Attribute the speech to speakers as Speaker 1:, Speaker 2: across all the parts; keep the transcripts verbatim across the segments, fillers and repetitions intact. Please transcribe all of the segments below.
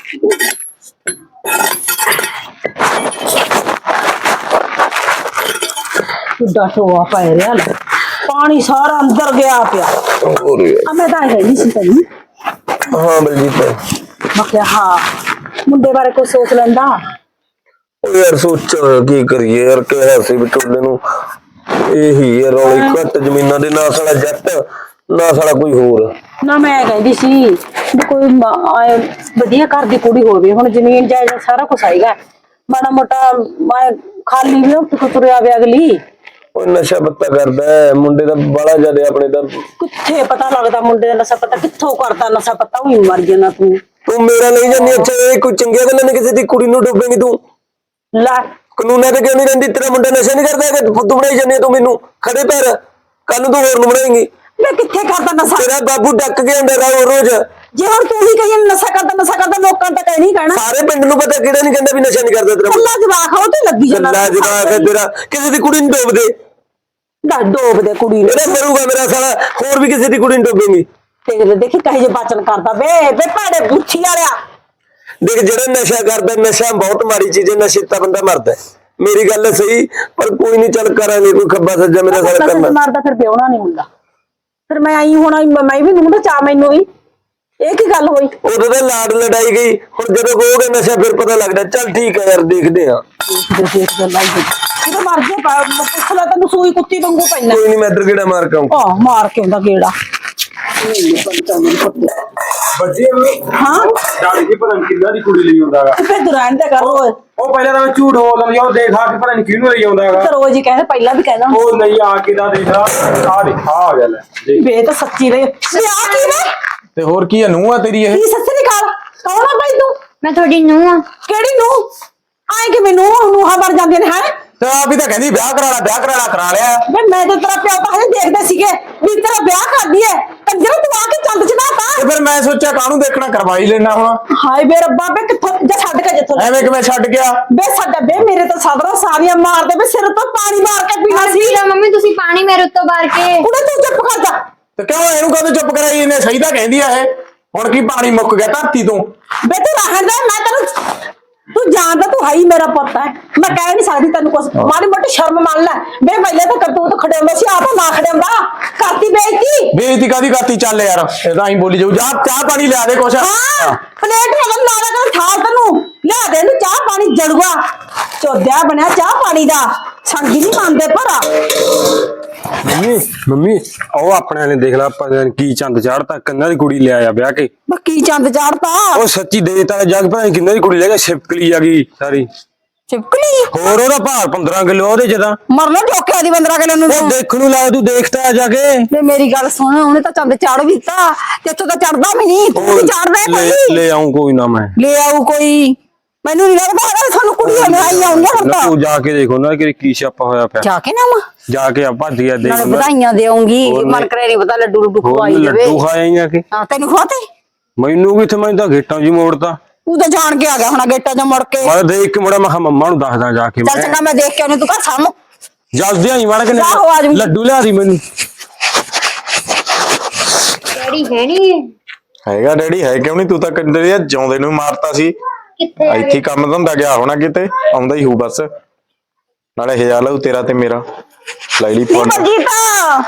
Speaker 1: ਕਿੱਡਾ ਟੋਆ ਪੈ ਰਿਹਾ ਲੈ ਪਾਣੀ ਸਾਰਾ ਅੰਦਰ ਗਿਆ ਪਿਆ। ਆ ਮੈਂ ਤਾਂ ਹੈ ਨਹੀਂ ਸੀ ਤੈਨੂੰ।
Speaker 2: ਹਾਂ ਬਲਜੀਤ
Speaker 1: ਮੈਂ ਕਿਹਾ ਹਾਂ ਮੁੰਡੇ ਬਾਰੇ ਕੁਝ ਸੋਚ ਲੈਂਦਾ।
Speaker 2: ਉਹ ਯਾਰ ਸੋਚਾਂ ਕੀ ਕਰੀਏ ਯਾਰ, ਕਿਹਾ ਸੀ ਵਿਚੋਲੇ ਨੂੰ ਇਹੀ ਹੈ ਰੌਲੀ ਘੱਟ ਜ਼ਮੀਨਾਂ ਦੇ, ਨਾ ਸਾਲਾ ਜੱਟ ਨਾ ਸਾਲਾ ਕੋਈ ਹੋਰ।
Speaker 1: ਨਾ ਮੈਂ ਕਹਿੰਦੀ ਸੀ ਵੀ ਕੋਈ ਵਧੀਆ ਘਰ ਦੀ ਕੁੜੀ ਹੋਵੇ, ਹੁਣ ਜ਼ਮੀਨ ਜਾਇਦਾਦ ਸਾਰਾ ਕੁਛ ਆਏਗਾ, ਮਾੜਾ ਮੋਟਾ ਮੈਂ ਖਾਲੀ ਵੀ ਉੱਠ ਕੇ ਤੁਰਿਆ ਵੇ ਅਗਲੀ।
Speaker 2: ਉਹ ਨਸ਼ਾ ਪੱਤਾ ਕਰਦਾ ਮੁੰਡੇ ਦਾ ਬੜਾ ਜ਼ਿਆਦਾ, ਆਪਣੇ ਦਾ
Speaker 1: ਕਿੱਥੇ ਪਤਾ ਲੱਗਦਾ ਮੁੰਡੇ ਦਾ ਨਸ਼ਾ ਪੱਤਾ ਕਿੱਥੋਂ ਕਰਦਾ ਨਸ਼ਾ ਪੱਤਾ, ਉਹੀ ਮਰ ਜਾਣਾ ਤੂੰ।
Speaker 2: ਤੂੰ ਮੇਰਾ ਨਹੀਂ ਜਾਂਦੀ। ਅੱਛਾ ਇਹ ਕੋਈ ਚੰਗੀਆਂ ਗੱਲਾਂ ਨੇ, ਕਿਸੇ ਦੀ ਕੁੜੀ ਨੂੰ ਡੋਬੇਂਗੀ ਤੂੰ?
Speaker 1: ਲੈ
Speaker 2: ਕਾਨੂੰਨਾਂ ਤੇ ਕਿਉਂ ਨਹੀਂ ਰਹਿੰਦੀ? ਤੇਰਾ ਮੁੰਡਾ ਨਸ਼ਾ ਨਹੀਂ ਕਰਦਾ ਕਿ ਤੂੰ ਬਣਾਈ ਜਾਂਦੀ ਤੂੰ ਮੈਨੂੰ ਖੜੇ ਪੈਰ, ਕੱਲ ਨੂੰ ਤੂੰ ਹੋਰ ਨੂੰ ਬਣਾਏਂਗੀ।
Speaker 1: ਮੈਂ ਕਿੱਥੇ ਕਰਦਾ ਨਸ਼ਾ?
Speaker 2: ਤੇਰਾ ਬਾਬੂ ਡੱਕ ਕੇ ਆਉਂਦਾ ਰਾਹ ਰੋਜ਼।
Speaker 1: ਜੇ ਹੁਣ ਤੂੰ ਹੀ ਕਹੀ ਨਸ਼ਾ ਕਰਦਾ ਨਸ਼ਾ ਕਰਦਾ, ਲੋਕਾਂ ਤਾਂ ਕਹਿ ਨਹੀਂ ਕਹਿਣਾ,
Speaker 2: ਸਾਰੇ ਪਿੰਡ ਨੂੰ ਪਤਾ, ਕਿਹੜਾ ਨਹੀਂ ਕਹਿੰਦਾ ਵੀ ਨਸ਼ਾ ਨਹੀਂ ਕਰਦਾ ਤੇਰਾ ਮੁੰਡਾ।
Speaker 1: ਕੱਲਾ ਜਵਾਕ ਹੋ ਤੇ ਲੱਗੀ ਜਾਂਦਾ।
Speaker 2: ਕੱਲਾ ਜਵਾਕ ਹੈ ਤੇਰਾ, ਕਿਸੇ ਦੀ ਕੁੜੀ ਨੂੰ ਡੋਬ ਦੇ।
Speaker 1: ਦਾ ਡੋਬ ਦੇ ਕੁੜੀ ਨੂੰ,
Speaker 2: ਇਹਦਾ ਮਰੂਗਾ ਮੇਰਾ ਸਾਲਾ, ਹੋਰ ਵੀ ਕਿਸੇ ਦੀ ਕੁੜੀ ਨੂੰ ਡੋਬੇਂਗੀ।
Speaker 1: ਤੇ ਦੇਖੀ ਕਹੇ ਜੇ ਬਾਚਨ ਕਰਦਾ ਵੇ ਵੇ ਭਾੜੇ ਬੁੱਥੀ ਵਾਲਿਆ।
Speaker 2: ਦੇਖ ਜਿਹੜਾ ਨਸ਼ਾ ਕਰਦਾ, ਨਸ਼ਾ ਬਹੁਤ ਮਾੜੀ ਚੀਜ਼ ਹੈ, ਨਸ਼ੇ ਤਾਂ ਬੰਦਾ ਮਰਦਾ। ਮੇਰੀ ਗੱਲ ਸਹੀ, ਪਰ ਕੋਈ ਨਹੀਂ, ਚੱਲ ਕਰਾਂਗੇ ਕੋਈ ਖੱਬਾ ਸੱਜਾ ਮੇਰਾ ਸਾਲਾ ਕਰਨਾ।
Speaker 1: ਮਰਦਾ ਫਿਰ ਵਿਆਹਣਾ ਨਹੀਂ ਹੁੰਦਾ, ਫਿਰ ਮੈਂ ਆਈ ਹੁਣ ਮੈਂ ਵੀ ਨੂੰ ਚਾ ਮੈਨੂੰ ਹੀ ਇਹ ਕੀ ਗੱਲ ਹੋਈ?
Speaker 2: ਉਦੋਂ ਤਾਂ ਲਾਡ ਲੜਾਈ ਗਈ, ਹੁਣ ਜਦੋਂ ਹੋ ਗਿਆ ਨਸ਼ਾ ਫਿਰ ਪਤਾ ਲੱਗਦਾ। ਚੱਲ ਠੀਕ ਹੈ ਯਾਰ, ਦੇਖਦੇ ਆ। ਜਦੋਂ ਮਰ ਜੇ ਪੁੱਛ ਲੈ, ਤੈਨੂੰ ਸੂਈ ਕੁੱਤੀ ਵਾਂਗੂ ਪੈਣਾ। ਕੋਈ ਨਹੀਂ, ਮੈਂ ਇੱਧਰ ਗੇੜਾ ਮਾਰ ਕੇ ਆਊਂ।
Speaker 1: ਆਹ ਮਾਰ ਕੇ ਆਉਂਦਾ ਗੇੜਾ।
Speaker 3: ਬੱਜੀ
Speaker 1: ਹਾਂ
Speaker 3: ਡਾੜੀ ਜੀ ਪਤਾ ਨਹੀਂ ਕਿੰਨਾ ਦੀ ਕੁੜੀ ਲਈ ਆਉਂਦਾਗਾ।
Speaker 1: ਫਿਰ ਦੁਰਾਨ ਤੇ ਕਰੋ।
Speaker 3: ਉਹ ਪਹਿਲਾਂ ਤਾਂ ਮੈਂ ਝੂਠ ਬੋਲ ਲਿਆ, ਉਹ ਦੇਖ ਆ ਕੇ ਪਤਾ ਨਹੀਂ ਕਿਹਨੂੰ ਲਈ ਆਉਂਦਾਗਾ।
Speaker 1: ਰੋਜ਼ ਹੀ ਕਹਿੰਦੇ, ਪਹਿਲਾਂ ਵੀ ਕਹਿੰਦਾ
Speaker 3: ਉਹ ਨਹੀਂ ਆ ਕੇ ਦਾ ਦੇਖ ਆ ਦੇਖ ਆ ਗਿਆ ਲੈ
Speaker 1: ਵੇ ਤਾਂ ਸੱਚੀ ਰਹੇ। ਵਿਆਹ ਕੀ ਵੇ?
Speaker 3: ਤੇ ਹੋਰ ਕੀ ਹੈ, ਨੂੰਹ ਆ ਤੇਰੀ ਇਹ?
Speaker 1: ਕੀ ਸੱਚੀ ਨਿਕਾਲ ਕੌਣ ਆ ਭਾਈ ਤੂੰ?
Speaker 4: ਮੈਂ ਤੁਹਾਡੀ ਨੂੰਹ ਆ।
Speaker 1: ਕਿਹੜੀ ਨੂੰਹ? ਆਏ ਕਿ ਮੈਨੂੰ ਨੂੰਹਾਂ ਬਣ ਜਾਂਦੀਆਂ ਨੇ। ਹੈ
Speaker 3: ਤੇ ਆਪ ਹੀ ਤਾਂ ਕਹਿੰਦੀ ਵਿਆਹ ਕਰਾ ਲੈ ਵਿਆਹ ਕਰਾ ਲੈ, ਕਰਾ ਲਿਆ।
Speaker 1: ਵੇ ਮੈਂ ਤਾਂ ਤੇਰਾ ਪਿਓ ਤਾਂ ਹਜੇ ਦੇਖਦੇ ਸੀਗੇ ਵੀ ਤੇਰਾ ਵਿਆਹ ਕਰਦੀ ਐ, ਕੰਜਰ ਤੂੰ ਆ ਕੇ ਚੰਦ ਚੜਾਤਾ।
Speaker 3: ਤੇ ਫਿਰ ਮੈਂ ਸੋਚਿਆ ਕਾਹਨੂੰ ਦੇਖਣਾ, ਕਰਵਾਈ ਲੈਣਾ ਹੁਣ।
Speaker 1: ਹਾਏ ਵੇ ਰੱਬਾ ਵੇ ਕਿੱਥੋਂ ਜਾ ਛੱਡ ਕੇ ਜਿੱਥੋਂ
Speaker 3: ਐਵੇਂ ਕਿਵੇਂ ਛੱਡ ਗਿਆ?
Speaker 1: ਵੇ ਸਾਡਾ ਵੇ ਮੇਰੇ ਤਾਂ ਸਾਬਰਾ ਸਾਰੀਆਂ ਮਾਰਦੇ ਵੇ, ਸਿਰ ਤੋਂ ਪਾਣੀ ਮਾਰ ਕੇ ਪੀਣਾ ਸੀ।
Speaker 4: ਮੰਮੀ ਤੁਸੀਂ ਪਾਣੀ ਮੇਰੇ ਉੱਤੋਂ ਬਾਰ ਕੇ।
Speaker 1: ਕੁੜੇ ਤੂੰ ਚੁੱਪ ਕਰ ਜਾ।
Speaker 3: ਤੇ ਕਿਉਂ ਇਹਨੂੰ ਕਦੋਂ ਚੁੱਪ ਕਰਾਈ? ਇਹਨੇ ਸਹੀ ਤਾਂ ਕਹਿੰਦੀ ਆ ਇਹ, ਹੁਣ ਕੀ ਪਾਣੀ ਮੁੱਕ ਗਿਆ ਧਰਤੀ ਤੋਂ?
Speaker 1: ਵੇ ਤੂੰ ਰਹਿਣ ਦੇ, ਮੈਂ ਤੈਨੂੰ ਤੂੰ ਜਾਣਦਾ ਤੂੰ ਹਾਈ ਮੇਰਾ ਪੁੱਤ ਹੈ, ਮੈਂ ਕਹਿ ਨਹੀਂ ਸਕਦੀ ਤੈਨੂੰ ਕੁਛ। ਮਾੜੀ ਮੋਟੀ ਸ਼ਰਮ ਮੰਨ ਲੈ ਵੇ, ਪਹਿਲੇ ਤਾਂ ਕਰਤੂਤ ਖੜਿਆਉਂਦਾ ਸੀ, ਆਪ ਨਾ ਖੜਿਆਉਂਦਾ। ਕਰਤੀ ਬੇਇੱਜ਼ਤੀ।
Speaker 3: ਬੇਇੱਜ਼ਤੀ ਕਾਦੀ ਕਰਤੀ? ਚੱਲ ਯਾਰ ਇਹ ਤਾਂ ਐਂ ਬੋਲੀ ਜਾਊ। ਜਾ ਚਾਹ ਪਾਣੀ ਲਿਆ ਦੇ ਕੁਛ।
Speaker 1: ਹਾਂ ਪਲੇਟ ਨਾਲ ਲਾਣਾ ਕਰ ਠਾ ਤੈਨੂੰ ਲਿਆ ਦੇ, ਇਹਨੂੰ ਚਾਹ ਪਾਣੀ ਜੜੂਆ ਚੋਦਿਆ ਬਣਿਆ ਚਾਹ ਪਾਣੀ ਦਾ, ਸੰਗੀ ਨਹੀਂ ਮੰਨਦੇ ਭਰਾ।
Speaker 2: ਮੰਮੀ ਮੰਮੀ ਉਹ ਆਪਣੇ ਨੇ ਦੇਖ ਲਾ, ਆਪਾਂ ਕੀ ਚੰਦ ਚਾੜਤਾ, ਕੰਨਾਂ ਦੀ ਕੁੜੀ ਲਿਆਇਆ ਵਿਆਹ ਕੇ।
Speaker 1: ਬੱਕੀ ਚੰਦ ਚਾੜਤਾ।
Speaker 2: ਉਹ ਸੱਚੀ ਦੇਤਾ ਜੱਗ, ਪਤਾ ਕਿੰਨਾਂ ਦੀ ਕੁੜੀ ਲੈ ਗਿਆ, ਛਿਪਕਲੀ ਆ ਗਈ ਸਾਰੀ।
Speaker 1: ਚਿਪਕਲੀ?
Speaker 2: ਹੋਰ ਉਹਦਾ ਭਾਰ ਪੰਦਰਾਂ ਕਿਲੋ ਉਹਦੇ ਚ ਤਾਂ।
Speaker 1: ਮਰਨਾ ਠੋਕਿਆ ਦੀ ਪੰਦਰਾਂ ਕਿਲੋ ਨੂੰ।
Speaker 2: ਉਹ ਦੇਖਣ ਨੂੰ ਲਾਇਆ, ਤੂੰ ਦੇਖਤਾ ਜਾ ਕੇ।
Speaker 1: ਤੇ ਮੇਰੀ ਗੱਲ ਸੁਣ, ਉਹਨੇ ਤਾਂ ਚੰਦ ਚਾੜ ਵੀ ਦਿੱਤਾ ਤੇ ਇੱਥੋਂ ਤਾਂ ਚੜਦਾ ਵੀ ਨਹੀਂ, ਤੂੰ ਵੀ ਚੜਦਾ ਕੋਈ।
Speaker 2: ਲੈ ਆਉਂ ਕੋਈ ਨਾ, ਮੈਂ
Speaker 1: ਲੈ ਆਊ ਕੋਈ, ਮੈਨੂੰ ਨਹੀਂ ਲੱਗਦਾ ਹੈਗਾ ਤੁਹਾਨੂੰ ਕੁੜੀਆਂ ਨੇ ਆਈ ਆਉਂਦੀਆਂ ਹੁਣ ਤਾਂ।
Speaker 2: ਤੂੰ ਜਾ ਕੇ ਦੇਖੋ ਨਾ ਕਿ ਕੀ ਛਾਪਾ ਹੋਇਆ ਪਿਆ।
Speaker 1: ਜਾ ਕੇ ਨਾ ਮਾਂ
Speaker 2: ਜਾ ਕੇ ਆ ਭੱਜ ਗਿਆ ਦੇਖ
Speaker 1: ਨਾਲੇ ਵਧਾਈਆਂ ਦੇਉਂਗੀ, ਮਨ ਕਰੇ ਨਹੀਂ ਪਤਾ ਲੱਡੂ ਲੱਡੂ ਖਵਾਈ ਦੇਵੇ।
Speaker 2: ਲੱਡੂ ਖਾਏ ਜਾ ਕੇ।
Speaker 1: ਹਾਂ ਤੈਨੂੰ ਖਵਾਤੇ?
Speaker 2: ਮੈਨੂੰ ਕਿੱਥੇ, ਮੈਂ ਤਾਂ ਗੇਟਾਂ ਜੀ ਮੋੜਤਾ।
Speaker 1: ਤੂੰ ਤਾਂ ਜਾਣ ਕੇ ਆ ਗਿਆ ਹੁਣ ਗੇਟਾਂ 'ਚ ਮੁੜ ਕੇ।
Speaker 2: ਮੈਂ ਦੇਖ ਕੇ ਮੁੜਾ, ਮੈਂ ਕਿਹਾ ਮੰਮਾ ਨੂੰ ਦੱਸਦਾ ਜਾ ਕੇ।
Speaker 1: ਚੱਲ ਚੰਗਾ ਮੈਂ ਦੇਖ ਕੇ ਉਹਨੂੰ, ਤੂੰ ਘਰ ਸਾਹਮਣੇ
Speaker 2: ਜਲਦੀ ਆਈ ਮਾੜਾ ਕਿ
Speaker 1: ਆਹੋ ਆ ਜਾਊਂਗੀ।
Speaker 2: ਲੱਡੂ ਲਿਆ ਦੀ ਮੈਨੂੰ।
Speaker 4: ਡੈਡੀ ਹੈ ਨਹੀਂ?
Speaker 5: ਹੈਗਾ ਡੈਡੀ, ਹੈ ਕਿਉਂ ਨਹੀਂ? ਤੂੰ ਤਾਂ ਕੰਦੇ ਆ ਜਿਉਂਦੇ ਨੂੰ ਮਾਰਤਾ ਸੀ।
Speaker 4: ਕਿੱਥੇ ਆ?
Speaker 5: ਇੱਥੇ ਕੰਮ ਧੰਦਾ ਗਿਆ ਹੋਣਾ ਕਿਤੇ, ਆਉਂਦਾ ਹੀ ਹੋਊ ਬਸ। ਨਾਲੇ ਹਜ਼ਾਰ ਲਾਉ ਤੇਰਾ ਤੇ ਮੇਰਾ, ਲੈ ਲਈ ਫੋਨ।
Speaker 1: ਜੀਤਾ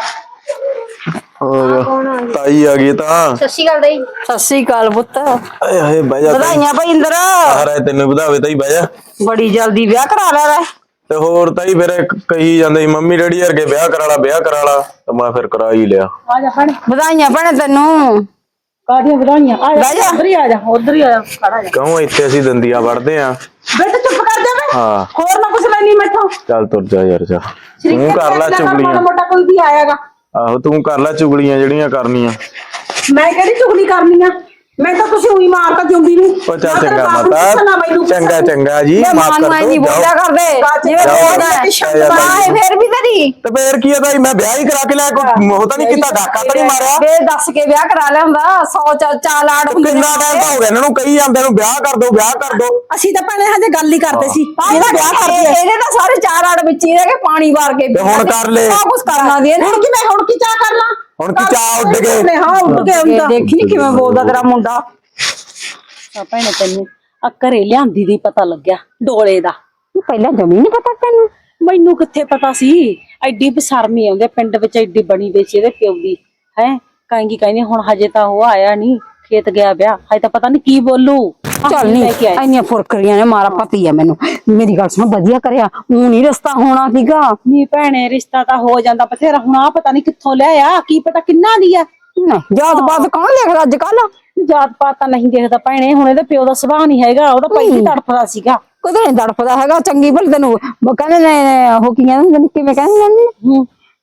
Speaker 5: ਤਾਈ ਆ ਗਈ ਤਾਂ।
Speaker 4: ਸਤਿ ਸ਼੍ਰੀ ਅਕਾਲ ਦਾਈ।
Speaker 1: ਸਤਿ ਸ੍ਰੀ ਅਕਾਲ ਪੁੱਤ।
Speaker 5: ਆਏ ਹਾਏ ਬਹਿ ਜਾ।
Speaker 1: ਵਧਾਈਆਂ ਭਾਈ ਇੰਦਰ।
Speaker 5: ਹਾਰੇ ਤੈਨੂੰ ਵਧਾਵੇ ਤਾਈ, ਬਹਿ ਜਾ।
Speaker 1: ਬੜੀ ਜਲਦੀ ਵਿਆਹ ਕਰਾ ਲਿਆ ਲੈ।
Speaker 5: ਤੇ ਹੋਰ ਤਾਈ ਫਿਰ ਕਹੀ ਜਾਂਦੇ ਸੀ ਮੰਮੀ ਡੈਡੀ ਵਰਗੇ ਵਿਆਹ ਕਰਾ ਲਾ ਵਿਆਹ ਕਰਾ ਲਾ, ਤੇ ਮੈਂ ਫਿਰ ਕਰਾ ਹੀ ਲਿਆ।
Speaker 1: ਆ ਜਾ ਫੜ। ਵਧਾਈਆਂ ਭੈਣੇ ਤੈਨੂੰ। ਕਾਹਦੀਆਂ ਵਧਾਈਆਂ? ਆ ਜਾ ਉਧਰ ਹੀ ਆ ਜਾ, ਉਧਰ ਹੀ ਆ ਜਾ, ਖੜਾ ਜਾ।
Speaker 5: ਕਿਉਂ ਇੱਥੇ ਅਸੀਂ ਦੰਦੀਆਂ ਵੜਦੇ ਆ?
Speaker 1: ਬੇਟਾ ਚੁੱਪ ਕਰ ਜਾ ਵੇ।
Speaker 5: ਹਾਂ
Speaker 1: ਹੋਰ ਨਾ ਕੁਛ ਲੈਣੀ ਮੈਥੋਂ।
Speaker 5: ਚੱਲ ਤੁਰ ਜਾ ਯਾਰ, ਜਾ ਤੂੰ ਕਰ ਲੈ ਚੁਗਲੀਆਂ।
Speaker 1: ਮੋਟਾ ਕੋਈ ਵੀ ਆਏਗਾ।
Speaker 5: ਆਹੋ ਤੂੰ ਕਰ ਲੈ ਚੁਗਲੀਆਂ ਜਿਹੜੀਆਂ ਕਰਨੀਆਂ।
Speaker 1: ਮੈਂ ਕਿਹੜੀ ਚੁਗਲੀ ਕਰਨੀ ਆ? ਮੈਂ ਤਾਂ ਤੁਸੀਂ ਉਹੀ ਮਾਰਤਾ ਜੁੰਦੀ ਨੂੰ।
Speaker 5: ਉਹ ਚੱਲ ਚੰਗਾ ਮਾਤਾ, ਚੰਗਾ ਚੰਗਾ ਜੀ, ਮਾਫ ਕਰ ਦੋ।
Speaker 1: ਨਹੀਂ ਬੋਲਿਆ ਕਰਦੇ ਜਿਵੇਂ ਬੋਲਦਾ ਹੈ ਸ਼ਬਦ ਆਏ ਫੇਰ ਵੀ ਤੇਰੀ।
Speaker 5: ਤੇ ਫੇਰ ਕੀ ਹੈ ਤਾਈ, ਮੈਂ ਵਿਆਹ ਹੀ ਕਰਾ ਕੇ ਲਿਆ, ਕੋਈ ਉਹ ਤਾਂ ਨਹੀਂ ਕੀਤਾ, ਡਾਕਾ ਤਾਂ ਨਹੀਂ ਮਾਰਿਆ।
Speaker 1: ਵੇ ਦੱਸ ਕੇ ਵਿਆਹ ਕਰਾ ਲਿਆ ਹੁੰਦਾ, ਸੌ ਚਾਲ ਲਾੜ ਹੁੰਦੇ।
Speaker 5: ਕਿੰਨਾ ਟਾਈਮ ਤਾਂ ਹੋ ਗਿਆ ਇਹਨਾਂ ਨੂੰ ਕਹੀ ਜਾਂਦੇ ਨੂੰ ਵਿਆਹ ਕਰ ਦੋ ਵਿਆਹ ਕਰ ਦੋ।
Speaker 1: ਅਸੀਂ ਤਾਂ ਭੈਣੇ ਹਜੇ ਗੱਲ ਹੀ ਕਰਦੇ ਸੀ ਇਹਦਾ ਵਿਆਹ ਕਰਦੇ। ਇਹਦੇ ਤਾਂ ਸਾਰੇ ਚਾਰ ਆੜ ਵਿੱਚ ਹੀ ਰਹਿ ਗਏ, ਪਾਣੀ ਵਾਰ ਕੇ।
Speaker 5: ਤੇ ਹੁਣ ਕਰ ਲੈ।
Speaker 1: ਸਭ ਕੁਝ ਕਰਨਾ ਦੀ। ਹੁਣ ਕਿ ਮੈਂ ਹੁਣ ਕੀ ਚਾਹ ਕਰ ਲਾਂ?
Speaker 5: ਹੁਣ ਕੀ ਚਾਹ ਉੱਡ ਗਏ?
Speaker 1: ਹਾਂ ਉੱਡ ਗਏ ਹੁਣ ਤਾਂ। ਦੇਖੀ ਕਿਵੇਂ ਬੋਲਦਾ ਤੇਰਾ ਮੁੰਡਾ। ਦੱਸਾਂ ਭੈਣੇ ਤੈਨੂੰ ਆ ਘਰੇ ਲਿਆਂਦੀ ਦੀ ਪਤਾ ਲੱਗਿਆ ਡੋਲੇ ਦਾ।
Speaker 6: ਪਹਿਲਾਂ ਜਮੀ ਨੀ ਪਤਾ ਤੈਨੂੰ?
Speaker 1: ਮੈਨੂੰ ਕਿੱਥੇ ਪਤਾ ਸੀ, ਐਡੀ ਬਸਰਮੀ ਆਉਂਦੇ ਪਿੰਡ ਵਿੱਚ, ਐਡੀ ਬਣੀ ਵਿੱਚ ਇਹਦੇ ਪਿਓ ਦੀ ਹੈ। ਕਹਿੰਗੀ ਕਹਿੰਦੀ ਹੁਣ ਹਜੇ ਤਾਂ ਉਹ ਆਇਆ ਨਹੀਂ, ਖੇਤ ਗਿਆ ਵਿਆਹ, ਹਜੇ ਤਾਂ ਪਤਾ ਨਹੀਂ ਕੀ ਬੋਲੂ।
Speaker 6: ਚੱਲ ਨੀ ਇੰਨੀਆਂ ਫੁਰਕਰੀਆਂ ਨੇ, ਮਾਰਾ ਪਤੀ ਆ ਮੈਨੂੰ। ਮੇਰੀ ਗੱਲ ਸੁਣ, ਵਧੀਆ ਕਰਿਆ, ਊਂ ਨੀ ਰਿਸ਼ਤਾ ਹੋਣਾ ਸੀਗਾ।
Speaker 1: ਨੀ ਭੈਣੇ ਰਿਸ਼ਤਾ ਤਾਂ ਹੋ ਜਾਂਦਾ ਬਥੇਰਾ, ਹੁਣ ਆ ਪਤਾ ਨਹੀਂ ਕਿੱਥੋਂ ਲਿਆਇਆ, ਕੀ ਪਤਾ ਕਿੰਨਾ ਦੀ ਆ।
Speaker 6: ਨਹੀਂ ਜਾਤ ਪਾਤ ਕੌਣ ਲਿਖਦਾ ਅੱਜ ਕੱਲ?
Speaker 1: ਜਾਤ ਪਾਤ ਤਾਂ ਨਹੀਂ ਦੇਖਦਾ ਭੈਣੇ, ਹੁਣ ਇਹਦੇ ਪਿਓ ਦਾ ਸੁਭਾਅ ਨਹੀਂ ਹੈਗਾ, ਉਹਦਾ ਪਹਿਲੀ ਤੜਫਦਾ ਸੀਗਾ।
Speaker 6: ਕਦੇ ਨਹੀਂ ਤੜਫਦਾ ਹੈਗਾ, ਚੰਗੀ ਭਲੀ ਤੈਨੂੰ ਉਹ ਕਹਿੰਦੇ ਨੇ, ਉਹ ਕੀ ਕਹਿੰਦੇ ਨੇ, ਕਿਵੇਂ ਕਹਿੰਦੇ ਨੇ,
Speaker 1: ਹੂੰ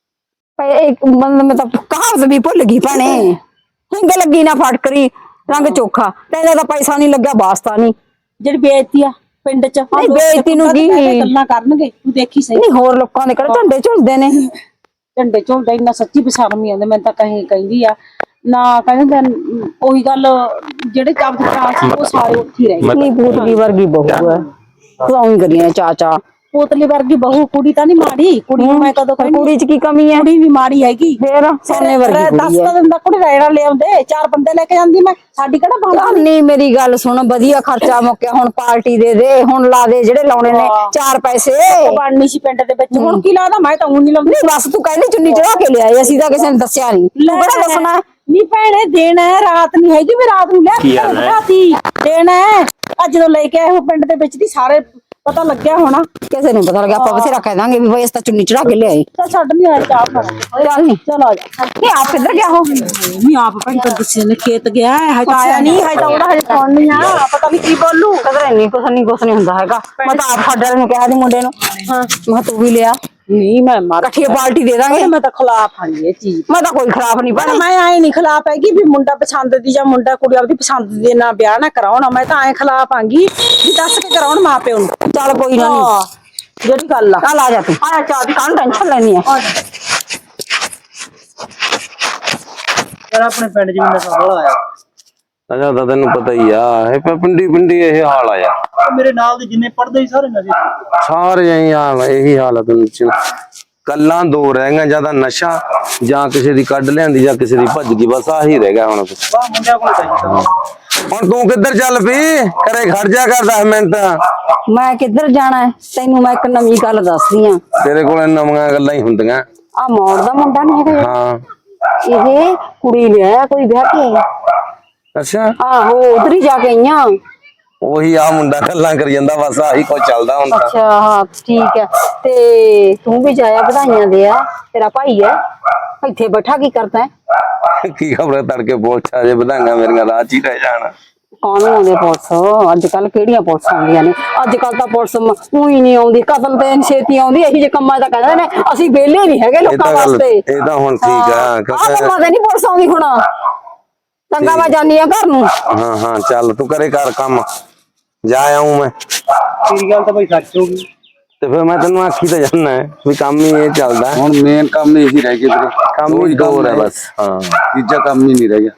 Speaker 6: ਇੱਕ ਬੰਦੇ ਮੈਂ ਤਾਂ ਕਹਾਵਤ ਵੀ ਭੁੱਲ ਗਈ ਭੈਣੇ। ਹਿੰਗ ਲੱਗੀ ਨਾ ਫਟਕਰੀ ਰੰਗ ਚੋਖਾ, ਤੈਨੂੰ ਤਾਂ ਪੈਸਾ ਨਹੀਂ ਲੱਗਿਆ ਵਾਸਤਾ ਨਹੀਂ।
Speaker 1: ਜਿਹੜੀ ਬੇਇੱਜ਼ਤੀ ਆ ਪਿੰਡ ਚ,
Speaker 6: ਨਹੀਂ ਬੇਇੱਜ਼ਤੀ ਨੂੰ ਕੀ
Speaker 1: ਗੱਲਾਂ ਕਰਨਗੇ, ਤੂੰ ਦੇਖੀ ਸਹੀ।
Speaker 6: ਨਹੀਂ ਹੋਰ ਲੋਕਾਂ ਦੇ ਕਿਹੜੇ ਝੰਡੇ ਝੁਲਦੇ ਨੇ।
Speaker 1: ਝੰਡੇ ਝੁਲਦਾ ਇੰਨਾ ਸੱਚੀ ਬਸਰਮੀ ਆਉਂਦੇ, ਮੈਨੂੰ ਤਾਂ ਕਹੀ ਕਹਿੰਦੀ ਆ ਨਾ, ਕਹਿੰਦੇ ਉਹੀ ਗੱਲ ਜਿਹੜੇ ਜਬਤ ਭਰਾ ਸੀ ਉਹ ਸਾਰੇ ਉੱਥੇ ਹੀ ਰਹਿ ਗਏ।
Speaker 6: ਨਹੀਂ ਪੂਤਲੀ ਵਰਗੀ ਬਹੂ ਹੈ, ਤੂੰ ਉਹੀ ਕਰੀਆਂ ਚਾਚਾ।
Speaker 1: ਪੋਤਲੀ ਵਰਗੀ ਬਹੂ, ਕੁੜੀ ਤਾਂ ਨਹੀਂ ਮਾੜੀ, ਕੁੜੀ ਨੂੰ ਮੈਂ ਕਦੋਂ ਕਹਿੰਦੀ
Speaker 6: ਕੁੜੀ ਚ ਕੀ ਕਮੀ ਹੈ?
Speaker 1: ਕੁੜੀ ਵੀ ਮਾੜੀ ਹੈਗੀ,
Speaker 6: ਫੇਰ ਸੋਨੇ ਵਰਗੀ
Speaker 1: ਦੱਸ
Speaker 6: ਕੁੜੀ
Speaker 1: ਤਾਂ
Speaker 6: ਹੈ।
Speaker 1: ਦਿੰਦਾ ਕੁੜੀ ਰੈਣਾ ਲਿਆਉਂਦੇ, ਚਾਰ ਬੰਦੇ ਲੈ ਕੇ ਜਾਂਦੀ ਮੈਂ, ਸਾਡੀ ਕਿਹੜਾ ਬੰਦ।
Speaker 6: ਨਹੀਂ ਮੇਰੀ ਗੱਲ ਸੁਣ, ਵਧੀਆ ਖਰਚਾ ਮੁੱਕਿਆ, ਹੁਣ ਪਾਰਟੀ ਦੇ ਦੇ, ਹੁਣ ਲਾ ਦੇ ਜਿਹੜੇ ਲਾਉਣੇ ਨੇ ਚਾਰ ਪੈਸੇ।
Speaker 1: ਬਣਨੀ ਸੀ ਪਿੰਡ ਦੇ ਵਿੱਚ, ਹੁਣ ਕੀ ਲਾਦਾ, ਮੈਂ ਤਾਂ ਉਹ ਨਹੀਂ ਲਾਉਂਦੀ।
Speaker 6: ਨਹੀਂ ਬਸ ਤੂੰ ਕਹਿੰਦੀ ਚੁੰਨੀ ਚੜਾ ਕੇ ਲਿਆਏ, ਅਸੀਂ ਤਾਂ ਕਿਸੇ ਨੇ ਦੱਸਿਆ ਨਹੀਂ, ਤੂੰ ਕਿਹੜਾ ਦੱਸਣਾ?
Speaker 1: ਨੀ ਭੈਣੇ ਦੇਣਾ ਹੈ, ਰਾਤ ਨਹੀਂ ਹੈਗੀ ਵੀ ਰਾਤ ਨੂੰ ਲਿਆ ਰਾਤੀ ਦੇਣਾ ਹੈ। ਅੱਜ ਜਦੋਂ ਲੈ ਕੇ ਆਏ ਉਹ ਪਿੰਡ ਦੇ ਵਿੱਚ ਦੀ ਸਾਰੇ ਪਤਾ ਲੱਗਿਆ ਹੋਣਾ।
Speaker 6: ਕਿਸੇ ਨੂੰ ਪਤਾ ਲੱਗਿਆ, ਆਪਾਂ ਬਥੇਰਾ ਕਹਿ ਦਾਂਗੇ ਵੀ ਬਈ ਇਸ ਤਾਂ ਚੁੰਨੀ ਚੜਾ ਕੇ ਲਿਆਏ।
Speaker 1: ਤਾਂ ਛੱਡ ਨਹੀਂ ਆਇਆ ਚਾਹ ਪਾਣਾ,
Speaker 6: ਚੱਲ ਨਹੀਂ
Speaker 1: ਚਲ ਆ ਜਾ।
Speaker 6: ਇਹ ਆਪ ਕਿੱਧਰ ਗਿਆ ਹੋ?
Speaker 1: ਨਹੀਂ ਆਪ ਭੈਣ ਤਾਂ ਕਿਸੇ ਨੇ ਖੇਤ ਗਿਆ ਹੈ, ਹਜੇ ਆਇਆ ਨਹੀਂ, ਹਜੇ ਤਾਂ ਉਹਦਾ ਹਜੇ ਫੋਨ ਨਹੀਂ ਆ, ਪਤਾ ਨਹੀਂ ਕੀ ਬੋਲੂ।
Speaker 6: ਕਦਰ ਨਹੀਂ ਕੁਛ ਨਹੀਂ ਕੁਛ ਨਹੀਂ ਹੁੰਦਾ ਹੈਗਾ। ਮੈਂ ਤਾਂ ਆਪ ਸਾਡੇ ਵਾਲੇ ਨੂੰ ਕਿਹਾ ਸੀ ਮੁੰਡੇ ਨੂੰ, ਹਾਂ ਮੈਂ ਤੂੰ ਵੀ ਲਿਆ,
Speaker 1: ਨਹੀਂ ਮੈਂ ਮਾਰ
Speaker 6: ਇਕੱਠੀ ਪਾਰਟੀ ਦੇ ਦਾਂਗੇ।
Speaker 1: ਮੈਂ ਤਾਂ ਖਿਲਾਫ ਹਾਂ ਇਹ ਚੀਜ਼,
Speaker 6: ਮੈਂ ਤਾਂ ਕੋਈ ਖਰਾਬ ਨਹੀਂ
Speaker 1: ਪਰ
Speaker 6: ਬਣੀ।
Speaker 1: ਮੈਂ ਐ ਨਹੀਂ ਖਿਲਾਫ ਹੈਗੀ ਵੀ ਮੁੰਡਾ ਪਸੰਦ ਦੀ ਜਾਂ ਮੁੰਡਾ ਕੁੜੀ ਆਪਦੀ ਪਸੰਦ ਦੇ ਨਾਲ ਵਿਆਹ ਨਾ ਕਰਾਉਣਾ। ਮੈਂ ਤਾਂ ਐ ਖਿਲਾਫ ਆਂਗੀ ਵੀ ਦੱਸ ਕੇ ਕਰਾਉਣ ਮਾਂ ਪਿਓ ਨੂੰ।
Speaker 6: ਚੱਲ ਕੋਈ ਨਾ,
Speaker 1: ਜਿਹੜੀ ਗੱਲ ਆ
Speaker 6: ਚੱਲ ਆ ਜਾ ਤੂੰ, ਆ ਚਾਹ ਦੀ ਕਾਹਨੂੰ ਟੈਨਸ਼ਨ ਲੈਣੀ ਆ।
Speaker 7: ਯਾਰ ਆਪਣੇ ਪਿੰਡ ਚ ਮੈਨੂੰ ਸਵਾਲ ਆਇਆ,
Speaker 2: ਅੱਛਾ ਤਾਂ ਤੈਨੂੰ ਪਤਾ ਹੀ ਆ, ਇਹ ਪ- ਪਿੰਡੀ ਪਿੰਡੀ ਇਹ ਹਾਲ ਆ ਯਾਰ,
Speaker 7: ਮੇਰੇ ਨਾਲ ਦੇ ਜਿੰਨੇ ਪੜਦੇ ਸੀ ਸਾਰੇ ਨਸ਼ੇ ਚ।
Speaker 2: ਸਾਰੇ ਇਹੀ ਹਾਲ ਆ, ਇਹੀ ਹਾਲ ਆ ਤੈਨੂੰ ਚ ਕੱਲਾਂ ਦੋ ਰਹਿ ਗਈਆਂ, ਜਾਂ ਤਾਂ ਨਸ਼ਾ ਜਾਂ ਕਿਸੇ ਦੀ ਕੱਢ ਲਿਆਂਦੀ ਜਾਂ ਕਿਸੇ ਦੀ ਭੱਜ ਗਈ, ਬਸ ਆਹੀ ਰਹਿ ਗਿਆ ਹੁਣ।
Speaker 7: ਵਾਹ ਮੁੰਡਿਆਂ ਕੋਲ ਚਾਹੀਦਾ।
Speaker 2: ਹੁਣ ਤੂੰ ਕਿੱਧਰ ਚੱਲ ਪਈ, ਘਰੇ ਖੜ ਜਾ ਕਰ ਦਸ ਮਿੰਟ।
Speaker 6: ਮੈਂ ਕਿੱਧਰ ਜਾਣਾ ਹੈ? ਤੈਨੂੰ ਮੈਂ ਇੱਕ ਨਵੀਂ ਗੱਲ ਦੱਸਦੀ ਆ।
Speaker 2: ਤੇਰੇ ਕੋਲ ਨਵੀਆਂ ਗੱਲਾਂ ਹੀ ਹੁੰਦੀਆਂ।
Speaker 6: ਆ ਮੌੜ ਦਾ ਮੁੰਡਾ ਨਹੀਂ ਹੈਗਾ,
Speaker 2: ਹਾਂ
Speaker 6: ਇਹ ਕੁੜੀ ਲਿਆਇਆ ਕੋਈ ਵਿਆਹ ਕੇ।
Speaker 2: ਅੱਛਾ,
Speaker 6: ਆਹੋ ਉਧਰ ਹੀ ਜਾ ਕੇ ਆਈਆਂ।
Speaker 2: ਉਹੀ ਆ ਮੁੰਡਾ ਗੱਲਾਂ ਕਰੀ ਜਾਂਦਾ, ਬਸ ਆਹੀ ਕੁਝ ਚੱਲਦਾ ਹੁਣ ਤਾਂ।
Speaker 6: ਅੱਛਾ ਹਾਂ ਠੀਕ ਹੈ, ਤੇ ਤੂੰ ਵੀ ਜਾਇਆ, ਵਧਾਈਆਂ ਦੇ ਆ, ਤੇਰਾ ਭਾਈ ਹੈ ਇੱਥੇ ਬੈਠਾ ਕੀ ਕਰਦਾ ਹੈ?
Speaker 2: ਕੀ ਖਬਰ ਤੜਕੇ ਪੋਛਾ ਜੇ ਵਧਾਈਆਂ ਮੇਰੀਆਂ ਰਾਹ ਚ ਹੀ ਰਹਿ ਜਾਣ।
Speaker 6: ਕਾਹਨੂੰ ਆਉਂਦੇ ਪੁਲਿਸ? ਅੱਜ ਕੱਲ ਕਿਹੜੀਆਂ ਪੁਲਿਸ ਆਉਂਦੀਆਂ ਨੇ? ਅੱਜ ਕੱਲ ਤਾਂ ਪੁਲਿਸ ਉਹੀ ਨਹੀਂ ਆਉਂਦੀ, ਕਤਲ ਤੇ ਛੇਤੀ ਆਉਂਦੀ। ਇਹੀ ਜਿਹੇ ਕੰਮਾਂ ਦਾ ਕਹਿੰਦੇ ਨੇ ਅਸੀਂ ਵਿਹਲੇ ਨਹੀਂ ਹੈਗੇ
Speaker 2: ਇਹ
Speaker 6: ਲੋਕਾਂ
Speaker 2: ਤਾਂ ਗੱਲ,
Speaker 6: ਵਾਸਤੇ।
Speaker 2: ਇਹ ਤਾਂ ਹੁਣ ਠੀਕ ਆ
Speaker 6: ਆਹ
Speaker 2: ਕਿਉਂਕਿ
Speaker 6: ਕੰਮਾਂ ਤੇ ਨਹੀਂ ਪੁਲਿਸ ਆਉਂਦੀ ਹੁਣ। ਚੰਗਾ ਮੈਂ ਜਾਨੀ ਆ ਘਰ ਨੂੰ।
Speaker 2: ਹਾਂ ਹਾਂ ਚੱਲ ਤੂੰ ਕਰੇ ਕਰ ਕੰਮ, ਜਾ ਆਉਂ ਮੈਂ।
Speaker 7: ਤੇਰੀ ਗੱਲ ਤਾਂ ਭਾਈ ਸੱਚ ਹੋ ਗਈ।
Speaker 2: ਤੇ ਫਿਰ ਮੈਂ ਤੈਨੂੰ ਆਖੀ ਤਾਂ ਜਾਨਾ ਹੈ ਵੀ ਕੰਮ ਹੀ ਇਹ ਚੱਲਦਾ।
Speaker 8: ਹੁਣ ਮੇਨ ਕੰਮ ਇਹੀ ਰਹਿ ਗਿਆ ਵੀਰੇ,
Speaker 2: ਕੰਮ ਹੀ ਦੋ ਹੈ ਬਸ। ਹਾਂ
Speaker 8: ਤੀਜਾ ਕੰਮ ਹੀ ਨਹੀਂ ਰਹਿ ਗਿਆ।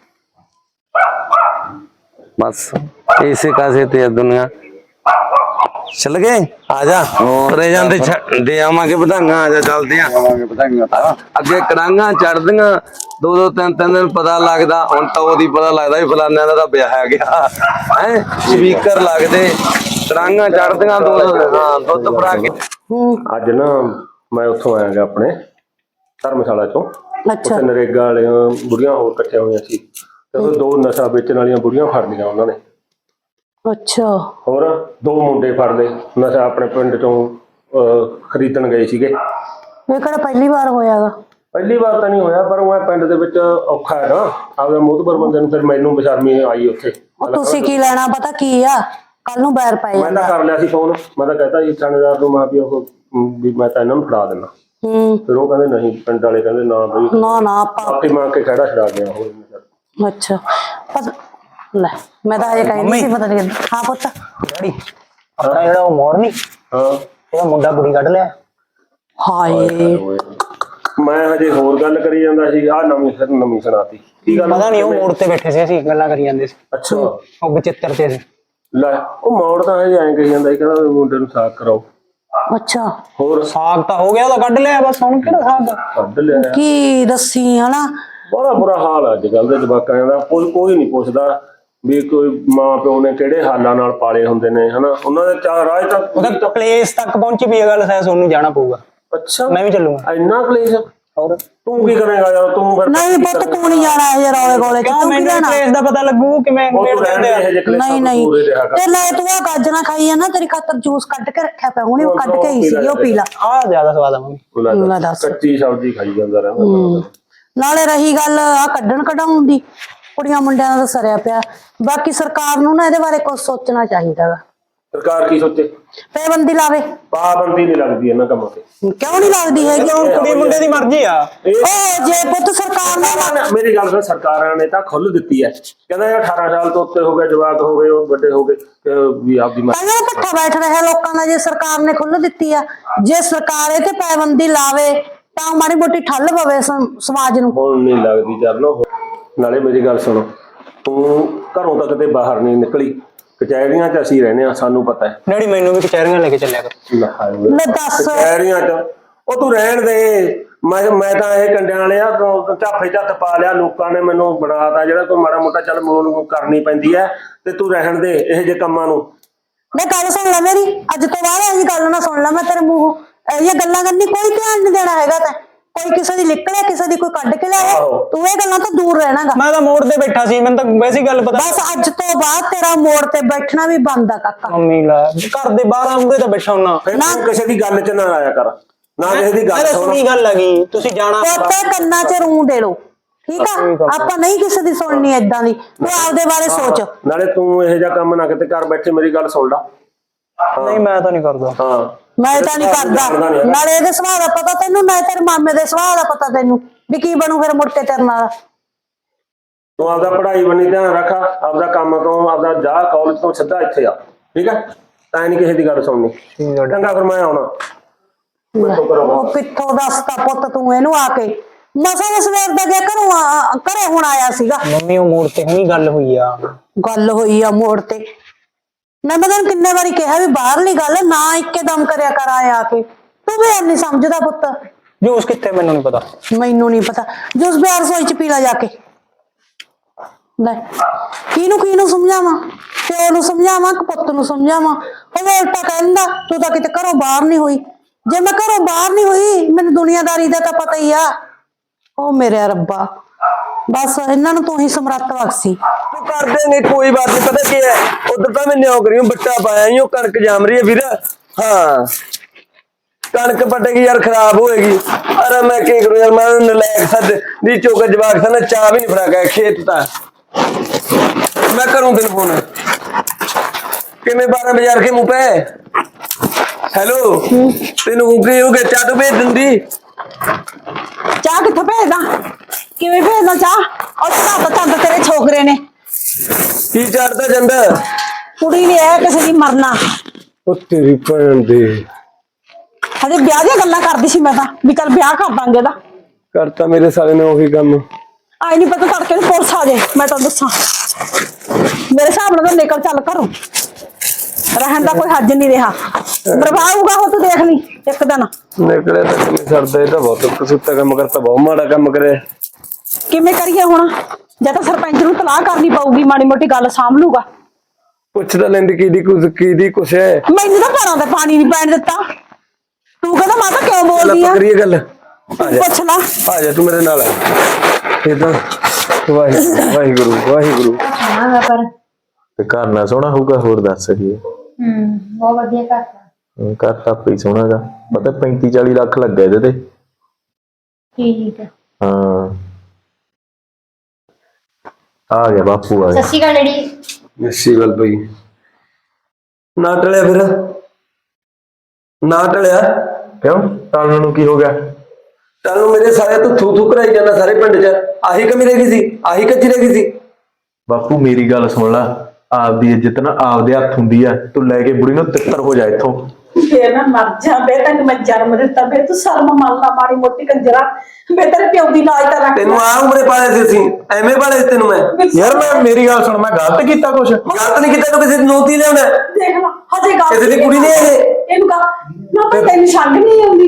Speaker 2: ਬਸ ਇਸੇ ਕਾਸੇ ਤੇ ਹੈ ਦੁਨੀਆ। ਚਲ ਗਏ, ਆ ਜਾ ਤੁਰੇ ਜਾਂਦੇ ਛ- ਦੇ ਆਵਾਂਗੇ ਵਧਾਈਆਂ, ਆ ਜਾ ਚੱਲਦੇ ਆ।
Speaker 8: ਆਵਾਂਗੇ ਵਧਾਈਆਂ ਤਾਂ
Speaker 2: ਅੱਗੇ ਕੜਾਂਗਾ ਚੜਦੀਆਂ ਦੋ ਦੋ ਤਿੰਨ ਤਿੰਨ ਦਿਨ ਪਤਾ ਲੱਗਦਾ, ਹੁਣ ਤਾਂ ਉਹਦੀ ਪਤਾ ਲੱਗਦਾ ਵੀ ਫਲਾਨਿਆਂ ਦਾ ਤਾਂ ਵਿਆਹ ਹੈ ਗਿਆ ਹੈ। ਸਪੀਕਰ ਲੱਗਦੇ, ਕੜਾਂਗਾ ਚੜਦੀਆਂ ਦੋ ਦੋ, ਹਾਂ ਦੁੱਧ ਭਰਾ ਕੇ।
Speaker 9: ਅੱਜ ਨਾ ਮੈਂ ਉੱਥੋਂ ਆਇਆਗਾ ਆਪਣੇ ਧਰਮਸ਼ਾਲਾ ਚੋਂ। ਉੱਥੇ ਨਰੇਗਾ ਵਾਲੀਆਂ ਬੁੜੀਆਂ ਹੋਰ ਇਕੱਠੀਆਂ ਹੋਈਆਂ ਸੀ, ਤੇ ਉਹ ਦੋ ਨਸ਼ਾ ਵੇਚਣ ਵਾਲੀਆਂ ਬੁੜੀਆਂ ਫੜ ਲਈਆਂ ਉਹਨਾਂ ਨੇ।
Speaker 1: ਅੱਛਾ,
Speaker 9: ਹੋਰ ਦੋ ਮੁੰਡੇ ਫੜ ਲਏ, ਨਸ਼ਾ ਆਪਣੇ ਪਿੰਡ ਚੋਂ ਅਹ, ਖਰੀਦਣ ਗਏ ਸੀਗੇ।
Speaker 1: ਇਹ ਕਿਹੜਾ ਪਹਿਲੀ ਵਾਰ ਹੋਇਆਗਾ?
Speaker 9: ਪਹਿਲੀ ਵਾਰ ਤਾਂ ਨਹੀਂ ਹੋਇਆ, ਪਰ ਉਹ ਪਿੰਡ ਦੇ ਵਿੱਚ ਔਖਾ ਹੈ ਨਾ ਆਪਦੇ ਮੋਹਤਬਰ ਬੰਦੇ ਨੂੰ। ਫਿਰ ਮੈਨੂੰ ਬੇਸ਼ਰਮੀ ਆਈ ਉੱਥੇ।
Speaker 1: ਤੁਸੀਂ ਕੀ ਲੈਣਾ, ਪਤਾ ਕੀ ਆ, ਕੱਲ ਨੂੰ ਬੈਰ ਪੈ
Speaker 9: ਮੈਂ ਤਾਂ ਕਰ ਲਿਆ ਸੀ ਫੋਨ, ਮੈਂ ਤਾਂ ਕਹਤਾ ਜੀ ਥਾਣੇਦਾਰ ਨੂੰ, ਮੈਂ ਵੀ ਉਹ ਵੀ ਮੈਂ ਤਾਂ ਇਹਨਾਂ ਨੂੰ ਫੜਾ ਦਿੰਦਾ।
Speaker 1: ਹੂੰ,
Speaker 9: ਫਿਰ ਉਹ ਕਹਿੰਦੇ ਨਹੀਂ, ਪਿੰਡ ਵਾਲੇ ਕਹਿੰਦੇ ਨਾ ਬਈ,
Speaker 1: ਨਾ ਨਾ ਆਪਾਂ
Speaker 9: ਆਪੇ ਮਾਰ ਕੇ ਖੜਾ ਛਡਾ ਗਿਆ ਉਹ।
Speaker 1: ਅੱਛਾ ਪਤਾ ਲੈ, ਮੈਂ ਤਾਂ ਇਹ ਕਹਿੰਦੀ ਸੀ ਪਤਾ ਨਹੀਂ। ਹਾਂ ਪੁੱਤ,
Speaker 7: ਡੈਡੀ ਆਪਣਾ ਜਿਹੜਾ ਉਹ ਮੋੜ ਨਹੀਂ,
Speaker 9: ਹਾਂ
Speaker 7: ਇਹਦਾ ਮੁੰਡਾ ਕੁੜੀ ਕੱਢ ਲਿਆ।
Speaker 1: ਹਾਏ
Speaker 9: ਮੈਂ ਹਜੇ ਹੋਰ ਗੱਲ ਕਰੀ ਜਾਂਦਾ ਸੀ, ਆਹ ਨਵੀਂ ਫਿਰ ਨਵੀਂ ਸੁਣਾਤੀ। ਕੀ ਗੱਲ?
Speaker 7: ਪਤਾ ਨਹੀਂ ਉਹ ਮੋੜ ਤੇ ਬੈਠੇ ਸੀ, ਅਸੀਂ ਗੱਲਾਂ ਕਰੀ ਜਾਂਦੇ ਸੀ।
Speaker 9: ਅੱਛਾ,
Speaker 7: ਉਹ ਬਚਿੱਤਰ ਤੇ ਸੀ।
Speaker 9: ਲੈ ਉਹ ਮੌੜ ਤਾਂ ਹਜੇ ਐਂ ਕਹੀ ਜਾਂਦਾ ਸੀ, ਕਹਿੰਦਾ ਵੀ ਮੁੰਡੇ ਨੂੰ ਸਾਕ ਕਰਾਓ।
Speaker 1: ਅੱਛਾ,
Speaker 9: ਹੋਰ
Speaker 7: ਸਾਗ ਤਾਂ ਹੋ ਗਿਆ, ਉਹਦਾ ਕੱਢ ਲਿਆ, ਬਸ ਹੁਣ ਕਿਹੜਾ ਸਾਗ?
Speaker 9: ਕੱਢ ਲਿਆ।
Speaker 1: ਕੀ ਦੱਸੀ ਹਨਾ?
Speaker 9: ਬੜਾ ਬੁਰਾ ਹਾਲ ਆ ਅੱਜ ਕੱਲ ਦੇ ਜਵਾਕਾਂ ਦਾ, ਕੋਈ ਕੋਈ ਨਹੀਂ ਪੁੱਛਦਾ। ਵੀ ਕੋਈ ਮਾਂ ਪਿਓ ਨੇ ਕਿਹੜੇ ਹਾਲਾਂ ਨਾਲ ਪਾਲੇ ਹੁੰਦੇ ਨੇ ਹਨਾ, ਉਹਨਾਂ ਦੇ ਚਾਹ ਰਾਜ ਤੱਕ
Speaker 7: ਉਹਦਾ ਪਲੇਸ ਤੱਕ ਪਹੁੰਚੀ ਵੀ ਇਹ ਗੱਲ ਹੈ, ਸੋਨੂੰ ਜਾਣਾ ਪਊਗਾ।
Speaker 9: ਅੱਛਾ
Speaker 7: ਮੈਂ ਵੀ ਚੱਲੂਗਾ।
Speaker 9: ਇੰਨਾ ਕਲੇਸ਼?
Speaker 7: ਹੋਰ
Speaker 9: ਤੂੰ ਕੀ ਕਰੇਗਾ ਯਾਰ? ਤੂੰ ਫਿਰ
Speaker 1: ਨਹੀਂ ਪੁੱਤ ਤੂੰ ਨਹੀਂ ਜਾਣਾ ਇਹ ਰੌਲੇ ਕੋਲੇ
Speaker 7: ਕਿਉਂ?
Speaker 1: ਤੂੰ ਕੀ
Speaker 7: ਮੈਨੂੰ
Speaker 1: ਜਾਣਾ?
Speaker 7: ਪਲੇਸ ਦਾ ਪਤਾ ਲੱਗੂ ਕਿਵੇਂ
Speaker 9: ਉਹ
Speaker 7: ਮੇੜ
Speaker 9: ਤੂੰ ਰਹਿਣ
Speaker 7: ਦਿੰਦੇ
Speaker 9: ਦੇ
Speaker 7: ਆ।
Speaker 9: ਇਹ ਜਿਹੇ ਕਲੇਸ਼ਾਂ
Speaker 1: ਨਹੀਂ
Speaker 9: ਤੋਂ
Speaker 1: ਨਹੀਂ
Speaker 9: ਦੂਰ ਹੀ ਰਿਹਾ ਕਰ।
Speaker 1: ਤੇ ਲੈ ਤੂੰ ਆ ਗਾਜਰਾਂ ਖਾਈ ਆ ਨਾ, ਤੇਰੀ ਖਾਤਰ ਜੂਸ ਕੱਢ ਕੇ ਰੱਖਿਆ ਪਿਆ ਹੁਣੇ, ਉਹ ਕੱਢ ਕੇ ਆਈ ਸੀ, ਉਹ ਪੀ ਲਾ।
Speaker 7: ਆਹ ਜ਼ਿਆਦਾ ਸਵਾਦ ਆ ਮੰਮੀ।
Speaker 1: ਲੈ ਦੱਸ।
Speaker 9: ਕੱਚੀ ਸਬਜ਼ੀ ਖਾਈ ਜਾਂਦਾ ਰਹਿੰਦਾ।
Speaker 1: ਨਾਲੇ ਰਹੀ ਗੱਲ ਆ ਕੱਢਣ ਕਢਾਉਣ ਦੀ, ਕੁੜੀਆਂ ਮੁੰਡਿਆਂ ਦਾ ਤਾਂ ਸਰਿਆ ਪਿਆ। ਬਾਕੀ ਸਰਕਾਰ ਨੂੰ ਨਾ ਇਹਦੇ ਬਾਰੇ ਕੁਝ ਸੋਚਣਾ ਚਾਹੀਦਾ ਵਾ।
Speaker 9: ਸਰਕਾਰ ਕੀ ਸੋਚੇ?
Speaker 1: ਪਾਬੰਦੀ ਲਾਵੇ।
Speaker 9: ਪਾਬੰਦੀ ਨਹੀਂ ਲੱਗਦੀ ਇਹਨਾਂ ਕੰਮਾਂ ਤੇ।
Speaker 1: ਕਿਉਂ ਨਹੀਂ ਲੱਗਦੀ ਹੈਗੀ?
Speaker 7: ਕੁੜੀ ਮੁੰਡੇ ਦੀ ਮਰਜ਼ੀ ਆ।
Speaker 1: ਉਹ ਜੇ ਪੁੱਤ ਸਰਕਾਰ ਨੇ
Speaker 9: ਮੇਰੀ ਗੱਲ ਸੁਣ, ਸਰਕਾਰਾਂ ਨੇ ਤਾਂ ਖੁੱਲ੍ਹ ਦਿੱਤੀ ਹੈ, ਕਹਿੰਦਾ ਯਾਰ ਅਠਾਰਾਂ ਸਾਲ ਤੋਂ ਉੱਤੇ ਹੋ ਗਏ, ਜਵਾਕ ਹੋ ਗਏ, ਉਹ ਵੱਡੇ ਹੋ ਗਏ ਤੇ ਵੀ ਆਪਦੀ ਮਰਜ਼ੀ।
Speaker 1: ਪਹਿਲਾਂ ਇਕੱਠਾ ਬੈਠ ਰਿਹਾ ਲੋਕਾਂ ਦਾ, ਜੇ ਸਰਕਾਰ ਨੇ ਖੁੱਲ੍ਹ ਦਿੱਤੀ ਆ, ਜੇ ਸਰਕਾਰ ਇਹ ਤੇ ਪਾਬੰਦੀ ਲਾਵੇ ਤਾਂ ਮਾੜੀ ਮੋਟੀ ਠੱਲ ਪਵੇ ਸਮ- ਸਮਾਜ ਨੂੰ।
Speaker 9: ਹੁਣ ਨਹੀਂ ਲੱਗਦੀ ਚਰਨੋ। ਨਾਲੇ ਮੇਰੀ ਗੱਲ ਸੁਣੋ, ਤੂੰ ਘਰੋਂ ਤਾਂ ਕਿਤੇ ਬਾਹਰ ਨਹੀਂ ਨਿਕਲੀ, ਕਚਹਿਰੀਆਂ 'ਚ ਅਸੀਂ ਰਹਿੰਦੇ ਆ, ਸਾਨੂੰ ਪਤਾ ਹੈ।
Speaker 7: ਡੈਡੀ ਮੈਨੂੰ ਵੀ ਕਚਹਿਰੀਆਂ ਲੈ ਕੇ ਚੱਲਿਆ ਕਰ।
Speaker 1: ਲੈ ਦੱਸ।
Speaker 9: ਕਚਹਿਰੀਆਂ 'ਚ ਉਹ ਤੂੰ ਰਹਿਣ ਦੇ। ਮੈਂ ਮੈਂ ਤਾਂ ਇਹ ਕੰਡਿਆਂ ਵਾਲਿਆ ਝਾਫੇ ਝੱਤ ਪਾ ਲਿਆ, ਲੋਕਾਂ ਨੇ ਮੈਨੂੰ ਬਣਾਤਾ ਜਿਹੜਾ ਕੋਈ ਮਾੜਾ ਮੋਟਾ ਚੱਲ ਮੋਨ ਕਰਨੀ ਪੈਂਦੀ ਹੈ, ਤੇ ਤੂੰ ਰਹਿਣ ਦੇ ਇਹੋ ਜਿਹੇ ਕੰਮਾਂ ਨੂੰ।
Speaker 1: ਮੈਂ ਗੱਲ ਸੁਣ ਲੈ ਮੇਰੀ, ਅੱਜ ਤੋਂ ਬਾਅਦ ਇਹ ਗੱਲ ਨਾ ਸੁਣ ਲੈ ਮੈਂ ਤੇਰੇ ਮੂੰਹੋਂ। ਇਹ ਗੱਲਾਂ ਕਰਨੀ ਕੋਈ ਧਿਆਨ ਨਹੀਂ ਦੇਣਾ ਹੈਗਾ। ਤਾਂ ਕੋਈ ਕਿਸੇ ਦੀ ਨਿਕਲੇ, ਕਿਸੇ ਦੀ ਕੋਈ ਕੱਢ ਕੇ ਲਿਆਏ, ਤੂੰ ਇਹ ਗੱਲਾਂ ਤੋਂ ਦੂਰ ਰਹਿਣਾਗਾ।
Speaker 7: ਮੈਂ ਤਾਂ ਮੋੜ ਤੇ ਬੈਠਾ ਸੀ, ਮੈਨੂੰ ਤਾਂ ਵੈਸੀ ਗੱਲ ਪਤਾ।
Speaker 1: ਬਸ ਅੱਜ ਤੋਂ ਬਾਅਦ ਤੇਰਾ ਮੋੜ ਤੇ ਬੈਠਣਾ ਵੀ ਬੰਦ ਆ ਕਾਕਾ।
Speaker 7: ਮੰਮੀ ਲੈ ਘਰ ਦੇ ਬਾਹਰ ਆਉਂਦੇ ਤਾਂ ਬੈਠਾ ਹੁੰਨਾ।
Speaker 9: ਫਿਰ ਤੂੰ ਕਿਸੇ ਦੀ ਗੱਲ 'ਚ ਨਾ ਆਇਆ ਕਰ, ਨਾ ਕਿਸੇ ਦੀ ਗੱਲ
Speaker 7: ਅਰੇ
Speaker 9: ਸੁਣ।
Speaker 7: ਸੁਣੀ ਗੱਲ ਹੈਗੀ, ਤੁਸੀਂ ਜਾਣਾ।
Speaker 1: ਪੋਤੇ ਕੰਨਾਂ 'ਚ ਰੂੰ ਦੇ ਲੋ, ਠੀਕ ਆ? ਆਪਾਂ ਨਹੀਂ ਕਿਸੇ ਦੀ ਸੁਣਨੀ ਏਦਾਂ ਦੀ, ਤੂੰ ਆਪਦੇ ਬਾਰੇ ਸੋਚ।
Speaker 9: ਨਾਲੇ ਤੂੰ ਇਹੋ ਜਿਹਾ ਕੰਮ ਨਾ ਕਿਤੇ ਕਰ ਬੈਠੇ, ਮੇਰੀ ਗੱਲ ਸੁਣ ਲਾ।
Speaker 7: ਨਹੀਂ ਮੈਂ ਤਾਂ ਨਹੀਂ ਕਰਦਾ।
Speaker 9: ਹਾਂ
Speaker 1: ਮੈਂ ਤਾਂ ਨਹੀਂ ਕਰਦਾ। ਨਾਲੇ ਇਹਦੇ ਸੁਭਾਅ ਦਾ ਪਤਾ ਤੈਨੂੰ, ਨਾ ਤੇਰੇ ਮਾਮੇ ਦੇ ਸੁਭਾਅ ਦਾ ਪਤਾ ਤੈਨੂੰ ਵੀ ਕੀ ਬਣੂ ਫਿਰ ਮੁੜ ਕੇ ਤੇਰੇ ਨਾਲ।
Speaker 9: ਤੂੰ ਆਪਦਾ ਪੜ੍ਹਾਈ ਬੰਨੀ ਧਿਆਨ ਰੱਖ, ਆਪਦਾ ਕੰਮ ਤੋਂ ਆਪਦਾ ਜਾ ਕਾਲਜ ਤੋਂ ਸਿੱਧਾ ਇੱਥੇ ਆ, ਠੀਕ ਹੈ? ਤਾਂ ਨਹੀਂ ਕਿਸੇ ਦੀ ਗੱਲ ਸੁਣਨੀ। ਚੰਗਾ ਫਿਰ ਮੈਂ ਆਉਣਾ।
Speaker 1: ਉਹ ਕਿੱਥੋਂ ਦੱਸਦਾ ਪੁੱਤ ਤੂੰ ਇਹਨੂੰ ਆ ਕੇ? ਮਸਾਂ ਦੇ ਸਵੇਰ ਦਾ ਗਿਆ ਘਰੋਂ ਆ- ਘਰੇ ਹੁਣ ਆਇਆ ਸੀਗਾ।
Speaker 7: ਮੰਮੀ ਉਹ ਮੋੜ ਤੇ ਹੁਣੀ ਗੱਲ ਹੋਈ ਆ।
Speaker 1: ਗੱਲ ਹੋਈ ਆ ਮੋੜ ਤੇ? ਮੈਂ ਤਾਂ ਤੈਨੂੰ ਕਿੰਨੇ ਵਾਰੀ ਕਿਹਾ ਵੀ ਬਾਹਰਲੀ ਗੱਲ ਨਾ ਇੱਕੇ ਦਮ ਕਰਿਆ ਕਰ ਆਏ ਆ ਕੇ। ਤੂੰ ਵੀ ਨਹੀਂ ਸਮਝਦਾ ਪੁੱਤ।
Speaker 7: ਜੂਸ ਕਿੱਥੇ ਮੈਨੂੰ ਨਹੀਂ ਪਤਾ।
Speaker 1: ਮੈਨੂੰ ਨਹੀਂ ਪਤਾ। ਜੂਸ ਬਿਆਰ ਸੋਈ ਚ ਪੀ ਲੈ ਜਾ ਕੇ। ਲੈ ਕਿਹਨੂੰ ਕਿਹਨੂੰ ਸਮਝਾਵਾਂ? ਪਿਓ ਨੂੰ ਸਮਝਾਵਾਂ ਕਿ ਪੁੱਤ ਨੂੰ ਸਮਝਾਵਾਂ? ਉਹ ਉਲਟਾ ਕਹਿੰਦਾ ਤੂੰ ਤਾਂ ਕਿਤੇ ਘਰੋਂ ਬਾਹਰ ਨਹੀਂ ਹੋਈ। ਜੇ ਮੈਂ ਘਰੋਂ ਬਾਹਰ ਨਹੀਂ ਹੋਈ, ਮੈਨੂੰ ਦੁਨੀਆਦਾਰੀ ਦਾ ਤਾਂ ਪਤਾ ਹੀ ਆ। ਉਹ ਮੇਰੇ ਰੱਬਾ, ਬਸ ਇਹਨਾਂ ਨੂੰ ਤੂੰ ਹੀ ਸਮਰੱਥ ਬਖਸ਼ੀ।
Speaker 2: ਤੂੰ ਕਰ ਦੇਂਗੇ ਕੋਈ ਬਾਤ ਨਹੀਂ। ਪਤਾ ਕੀ ਹੈ, ਉਧਰ ਤਾਂ ਮੈਂ ਨੌਕਰੀ ਨੂੰ ਬੱਟਾ ਪਾਇਆ ਹੀ, ਉਹ ਕਣਕ ਜੰਮ ਰਹੀ ਹੈ ਵੀਰ। ਹਾਂ ਕਣਕ ਪਟੇਗੀ ਯਾਰ, ਖਰਾਬ ਹੋਏਗੀ। ਅਰੇ ਮੈਂ ਕੀ ਕਰੂੰ ਯਾਰ, ਮੈਂ ਨਲਾਇਕ ਸੱਦ ਦੀ ਚੋਕ ਜਵਾਕ ਸਨ, ਚਾਹ ਵੀ ਨਹੀਂ ਫੜਾ ਗਿਆ ਖੇਤ ਤਾਂ। ਮੈਂ ਕਰੂੰ ਤੈਨੂੰ ਫੋਨ। ਕਿਵੇਂ ਬਾਰਾਂ ਬਾਜ਼ਾਰ ਕੇ ਮੂੰਹ ਪੈ? ਹੈਲੋ ਤੈਨੂੰ ਕੀ ਹੋ ਗਿਆ? ਚਾਹ ਤੂੰ ਭੇਜ ਦਿੰਦੀ।
Speaker 1: ਚਾਹ ਕਿੱਥੋਂ ਭੇਜਦਾ? ਕਿਵੇਂ ਭੇਜਦਾ ਚਾਹ? ਉਹ ਤਾਂ ਤਾਂ ਤੇਰੇ ਛੋਕਰੇ ਨੇ
Speaker 2: ਕੀ ਚੜਦਾ ਜਾਂਦਾ?
Speaker 1: ਕੁੜੀ ਨੇ ਇਹ ਕਿਸੇ ਦੀ ਮਰਨਾ।
Speaker 2: ਉਹ ਤੇਰੀ ਭੈਣ ਦੇ
Speaker 1: ਹਜੇ ਵਿਆਹ ਦੀਆਂ ਗੱਲਾਂ ਕਰਦੀ ਸੀ ਮੈਂ ਤਾਂ, ਵੀ ਚੱਲ ਵਿਆਹ ਕਰ ਦਾਂਗੇ ਇਹਦਾ।
Speaker 2: ਕਰਤਾ ਮੇਰੇ ਸਾਲੇ ਨੇ ਉਹੀ ਕੰਮ।
Speaker 1: ਆਈ ਨਹੀਂ ਪਤਾ ਤੜਕੇ ਨੂੰ ਪੁਲਿਸ ਆ ਜਾਏ, ਮੈਂ ਤਾਂ ਦੱਸਾਂ। ਮੇਰੇ ਹਿਸਾਬ ਨਾਲ ਤਾਂ ਨਿਕਲ ਚੱਲ ਘਰੋਂ, ਰਹਿਣ ਦਾ ਕੋਈ ਹੱਜ ਨਹੀਂ ਰਿਹਾ। ਬਰਬਾਊਗਾ ਉਹ ਤੂੰ ਦੇਖ ਲਈ ਇੱਕ ਦਿਨ।
Speaker 2: ਨਿਕਲਿਆ ਤਾਂ ਕਿਵੇਂ ਸਰਦਾ? ਇਹ ਤਾਂ ਬਹੁਤ ਕਸੂਤਾ ਕੰਮ ਕਰਤਾ, ਬਹੁਤ ਮਾੜਾ ਕੰਮ ਕਰਿਆ।
Speaker 1: ਕਿਵੇਂ ਕਰੀਏ ਹੁਣ? ਜਾਂ ਤਾਂ ਸਰਪੰਚ ਨੂੰ ਤਲਾਹ ਕਰਨੀ ਪਊਗੀ, ਮਾੜੀ ਮੋਟੀ ਗੱਲ ਸਾਂਭ ਲੂਗਾ।
Speaker 2: ਪੁੱਛ ਤਾਂ ਲੈਂਦੀ ਕਿਹਦੀ ਕੁਛ ਕਿਹਦੀ ਕੁਛ ਹੈ।
Speaker 1: ਮੈਨੂੰ ਤਾਂ ਘਰਾਂ ਤੇ ਪਾਣੀ ਨਹੀਂ ਪੈਣ ਦਿੱਤਾ। ਤੂੰ ਕਹਿੰਦਾ ਮਾਤਾ ਕਿਉਂ ਬੋਲਦੀ ਆ?
Speaker 2: ਕਰੀਏ ਗੱਲ, ਆ ਜਾ
Speaker 1: ਪੁੱਛ ਲਾ।
Speaker 2: ਆ ਜਾ ਤੂੰ ਮੇਰੇ ਨਾਲ। ਇਦਾਂ ਵਾਹਿਗੁਰੂ ਵਾਹਿਗੁਰੂ ਵਾਹਿਗੁਰੂ।
Speaker 4: ਹਾਂ ਪਰ
Speaker 5: ਤੇ ਘਰ ਨਾ ਸੋਹਣਾ ਹੋਊਗਾ, ਹੋਰ ਦੱਸ ਕੀ
Speaker 4: ਹੂੰ ਬਹੁਤ ਵਧੀਆ ਕਰਤਾ।
Speaker 5: ਘਰ ਤਾਂ ਆਪੇ ਹੀ ਸੋਹਣਾਗਾ। ਪਤਾ ਪੈਂਤੀ ਚਾਲੀ ਲੱਖ ਲੱਗਾ ਇਹਦੇ ਤੇ।
Speaker 4: ਠੀਕ ਹੈ।
Speaker 5: ਹਾਂ ਆ ਗਿਆ ਬਾਪੂ ਆ ਗਿਆ।
Speaker 4: ਸਤਿ ਸ਼੍ਰੀ ਅਕਾਲ ਡੈਡੀ।
Speaker 2: ਅੱਛੀ ਗੱਲ ਪਈ। ਨਾ ਟਲਿਆ ਫਿਰ, ਨਾ ਟਲਿਆ
Speaker 5: ਕਿਉਂ ਟਾਲਣ ਨੂੰ ਕੀ ਹੋ ਗਿਆ?
Speaker 2: ਚੱਲ ਨੂੰ ਮੇਰੇ ਸਾਰੇ ਤੂੰ ਥੂ ਥੂ ਕਰਾਈ ਜਾਂਦਾ ਸਾਰੇ ਪਿੰਡ 'ਚ। ਆਹੀ ਕਮੀ ਰਹਿ ਗਈ ਸੀ, ਆਹੀ ਕੱਚੀ ਰਹਿ ਗਈ ਸੀ।
Speaker 5: ਬਾਪੂ ਮੇਰੀ ਗੱਲ ਸੁਣ ਲਾ, ਆਪਦੀ ਇੱਜ਼ਤ ਨਾ ਆਪਦੇ ਹੱਥ ਹੁੰਦੀ ਆ। ਤੂੰ ਲੈ ਕੇ ਬੁੜੀ ਨੂੰ ਤਿੱਤਰ ਹੋ ਜਾ ਇੱਥੋਂ।
Speaker 1: ਫੇਰ ਮੈਂ ਮਰ ਜਾ ਬੇ, ਤੈਨੂੰ ਮੈਂ ਜਨਮ ਦਿੱਤਾ ਬੇ, ਤੂੰ ਸ਼ਰਮ ਮੰਨ ਲਾ ਮਾੜੀ ਮੋਟੀ ਕੰਜਰਾ ਬੇ। ਤੇਰੇ ਪਿਓ ਦੀ ਲਾਜ ਤਾਂ ਰੱਖ।
Speaker 2: ਤੈਨੂੰ ਆ ਉਮਰੇ ਪਾਲੇ ਸੀ ਅਸੀਂ, ਐਵੇਂ ਪਾਲੇ ਸੀ ਤੈਨੂੰ ਮੈਂ।
Speaker 5: ਯਾਰ ਮੈਂ ਮੇਰੀ ਗੱਲ ਸੁਣ, ਮੈਂ ਗਲਤ ਕੀਤਾ ਕੁਛ?
Speaker 2: ਗਲਤ ਨਹੀਂ ਕੀਤਾ, ਤੂੰ ਕਿਸੇ ਦੀ ਨੋਤੀ ਲਿਆਉਣਾ।
Speaker 1: ਦੇਖ ਲਾ ਹਜੇ ਗੱਲ
Speaker 2: ਕਿਸੇ ਦੀ ਕੁੜੀ ਨੇ ਇਹ
Speaker 1: ਇਹਨੂੰ ਕਹ ਨਾ, ਪਰ ਤੈਨੂੰ ਛੱਡ ਨਹੀਂ ਆਉਂਦੀ ਨੂੰ।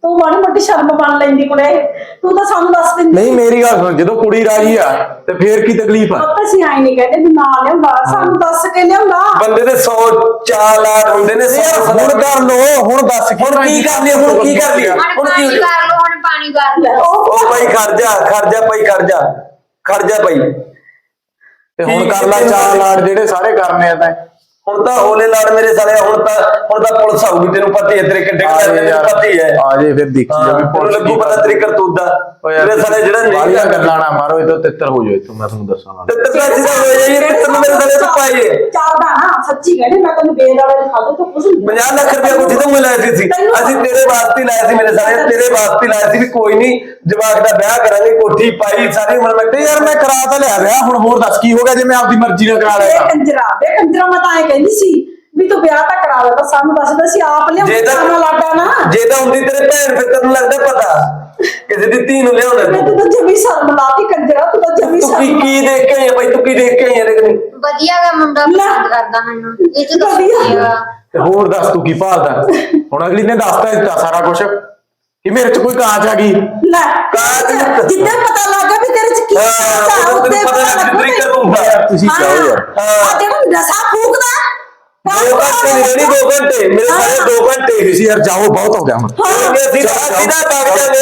Speaker 1: ਤੂੰ ਮਾੜੀ ਮੋਟੀ ਸ਼ਰਮ ਮੰਨ ਲੈਂਦੀ ਕੁੜੇ ਤੂੰ ਤਾਂ ਸਾਨੂੰ ਦੱਸ ਦਿੰਦੀ
Speaker 5: ਨਹੀਂ ਮੇਰੀ ਗੱਲ ਸੁਣ, ਜਦੋਂ ਕੁੜੀ ਰਾਜੀ ਆ ਤੇ ਫੇਰ ਕੀ ਤਕਲੀਫ ਆ?
Speaker 1: ਆਪਾਂ ਅਸੀਂ ਆਈ ਨਹੀਂ ਕਹਿੰਦੇ ਵੀ ਨਾ ਲਿਆਉਂਦਾ ਸਾਨੂੰ ਦੱਸ ਕੇ ਲਿਆਉਂਦਾ
Speaker 2: ਬੰਦੇ ਦੇ ਸੌ ਚਾਲ ਆਟ ਹੁੰਦੇ ਨੇ
Speaker 5: ਯਾਰ
Speaker 2: ਸੌ
Speaker 5: ਹੁਣ ਕਰ ਲੋ, ਹੁਣ ਦੱਸ
Speaker 2: ਹੁਣ ਕੀ ਕਰ ਲਈ ਹੁਣ ਕੀ ਕਰ ਲਈ
Speaker 4: ਹੁਣ
Speaker 2: ਹੁਣ ਕੀ
Speaker 4: ਪਾਣੀ
Speaker 2: ਹੋ ਜਾਊ?
Speaker 4: ਕਰ ਲਓ ਹੁਣ ਪਾਣੀ ਕਰ ਲਓ
Speaker 2: ਉਹ ਭਾਈ ਖੜ ਜਾ ਖੜ ਜਾ ਭਾਈ ਖੜ ਜਾ ਖੜ ਜਾ ਭਾਈ।
Speaker 5: ਤੇ ਹੁਣ ਕਰ ਲੈ ਚਾਰ ਲਾੜ ਜਿਹੜੇ ਸਾਰੇ ਕਰਨੇ ਆ ਤਾਂ।
Speaker 2: ਹੁਣ ਤਾਂ ਹੋਲੇ ਲਾੜ ਮੇਰੇ ਸਾਲੇ, ਹੁਣ ਤਾਂ ਹੁਣ ਤਾਂ ਪੁਲਿਸ ਆਊਗੀ, ਤੈਨੂੰ ਪਤਾ ਹੀ ਹੈ ਤੇਰੇ ਕਿੱਡੇ
Speaker 5: ਆ
Speaker 2: ਕਿੱਡੇ
Speaker 5: ਜੇ ਯਾਰ,
Speaker 2: ਪਤਾ ਹੀ ਹੈ।
Speaker 5: ਆ ਜੇ ਫਿਰ ਦੇਖੀ
Speaker 2: ਹਾਂ,
Speaker 5: ਜਾਵੇ
Speaker 2: ਤੈਨੂੰ ਲੱਗੂ ਪਤਾ ਤੇਰੀ ਕਰਤੂਤ ਦਾ। ਮੇਰੇ ਸਾਲੇ ਜਿਹੜਾ ਨਹੀਂ
Speaker 5: ਬਾਲੀਆਂ ਗੱਲਾਂ ਨਾ ਮਾਰੋ, ਇਹ ਤੋਂ ਤਿੱਤਰ ਹੋ ਜਾਓ ਇੱਥੋਂ, ਮੈਂ ਤੁਹਾਨੂੰ ਦੱਸਾਂ ਨਾ।
Speaker 2: ਤੇ ਤੇਰਾ ਸਿੱਧਾ ਹੋ ਜਾਈਏ ਤੇ ਤੈਨੂੰ ਮੇਰੇ ਸਾਲੇ ਤੋਂ ਪਾਈਏ
Speaker 1: ਚੱਲਦਾ ਨਾ ਸੱਚੀ ਕਹਿੰਦੇ ਮੈਂ ਤੈਨੂੰ ਬੇਦ ਵਾਲੇ ਖਾਦੇ ਤੋਂ ਕੁਝ ਨਹੀਂ
Speaker 2: ਪੰਜਾਹ ਲੱਖ ਰੁਪਇਆ ਕੋਠੀ ਤੋਂ ਮੈਂ ਲਾਇਆ ਸੀ ਅਸੀਂ ਤੇਰੇ ਵਾਸਤੇ ਲਾਇਆ ਸੀ ਮੇਰੇ ਸਾਲੇ, ਤੇਰੇ ਵਾਸਤੇ ਲਾਇਆ ਸੀ ਵੀ ਕੋਈ ਨਹੀਂ ਜਵਾਕ ਦਾ ਵਿਆਹ ਕਰਾਂਗੇ, ਕੋਠੀ ਪਾਈ ਸਾਰੀ ਉਮਰ ਮੈਂ
Speaker 5: ਤੇ ਯਾਰ ਮੈਂ ਕਰਾ ਤਾਂ ਲਿਆ ਵਿਆਹ, ਹੁਣ ਹੋਰ ਦੱਸ ਕੀ ਹੋ ਗਿਆ ਜੇ ਮੈਂ ਆਪਦੀ ਮਰਜ਼ੀ ਨਾਲ ਕਰਾ
Speaker 1: ਬੇ
Speaker 5: ਲਿਆ?
Speaker 1: ਕੰਜਰਾ ਬੇ ਕੰਜਰਾ ਮੈਂ ਤਾਂ ਐ ਕਹਿੰਦੀ ਸੀ ਵੀ ਤੂੰ ਵਿਆਹ ਤਾਂ ਕਰਾ ਲੈ ਤਾਂ ਸਾਨੂੰ ਦੱਸਦਾ ਸੀ ਆਪ
Speaker 2: ਜੇ
Speaker 1: ਲਿਆਉਂਦਾ
Speaker 2: ਤਾਂ
Speaker 1: ਨਾ ਲਾਡਾ ਨਾ
Speaker 2: ਜੇ ਤਾਂ ਹੁੰਦੀ ਤੇਰੇ ਭੈਣ ਫਿਰ ਤੈਨੂੰ ਲੱਗਦਾ ਪਤਾ ਕਿਸੇ ਦੀ ਧੀ ਨੂੰ ਲਿਆਉਣਾ
Speaker 1: ਮੈਂ
Speaker 2: ਤੂੰ
Speaker 1: ਤੂੰ ਤਾਂ ਜਮੀ ਸ਼ਰਮ ਲਾਤੀ ਕੰਜਰਾ ਤੂੰ ਤਾਂ ਜਮੀ
Speaker 2: ਤੂੰ ਕੀ
Speaker 1: ਸ਼ਰਮ
Speaker 2: ਕੀ ਦੇਖ ਕੇ ਆਈ ਆ ਭਾਈ, ਤੂੰ ਕੀ ਦੇਖ ਕੇ ਆਈ ਆ ਲੇਕਿਨ
Speaker 4: ਵਧੀਆ ਗਾ ਮੁੰਡਾ ਪਸੰਦ ਕਰਦਾ ਮੈਨੂੰ ਇਹ ਚ ਤਾਂ
Speaker 1: ਵਧੀਆ।
Speaker 4: ਵਧੀਆ
Speaker 5: ਤੇ ਹੋਰ ਦੱਸ ਤੂੰ ਕੀ ਭਾਲਦਾ? ਹੁਣ ਅਗਲੀ ਨੇ ਦੱਸਤਾ ਦਿੱਤਾ ਸਾਰਾ ਕੁਝ ਕਿ ਮੇਰੇ ਚ ਕੋਈ ਕਾਂਚ ਆ ਗਈ।
Speaker 1: ਲੈ
Speaker 2: ਕਾਹਦੀ?
Speaker 1: ਜਿੱਦਾਂ ਪਤਾ ਲੱਗਾ ਵੀ ਤੇਰੇ ਚ ਕੀ
Speaker 2: ਹਾਂ,
Speaker 1: ਕਾਂਚ ਆ,
Speaker 2: ਉਦੋਂ
Speaker 1: ਉੱਤੇ
Speaker 2: ਤੈਨੂੰ ਪਤਾ
Speaker 1: ਪਤਾ
Speaker 2: ਲੱਗ
Speaker 1: ਲੱਗੂ
Speaker 2: ਤਰੀਕਾ
Speaker 1: ਤੈਨੂੰ।
Speaker 2: ਹੁੰਦਾ
Speaker 5: ਯਾਰ ਤੁਸੀਂ
Speaker 1: ਹਾਂ,
Speaker 5: ਜਾਓ ਯਾਰ।
Speaker 1: ਆ ਜਿਹੜਾ ਨਸ਼ਾ ਫੂਕਦਾ
Speaker 2: ਦੋ ਘੰਟੇ ਨਹੀਂ ਰਹਿਣੀ, ਦੋ ਘੰਟੇ ਮੇਰੇ ਸਾਰੇ ਦੋ ਘੰਟੇ ਹੀ
Speaker 5: ਤੁਸੀਂ ਯਾਰ ਜਾਓ, ਬਹੁਤ ਹੋ ਗਿਆ ਹੁਣ।
Speaker 2: ਅਸੀਂ ਤਾਂ ਸਿੱਧਾ ਵਗ ਜਾਂਦੇ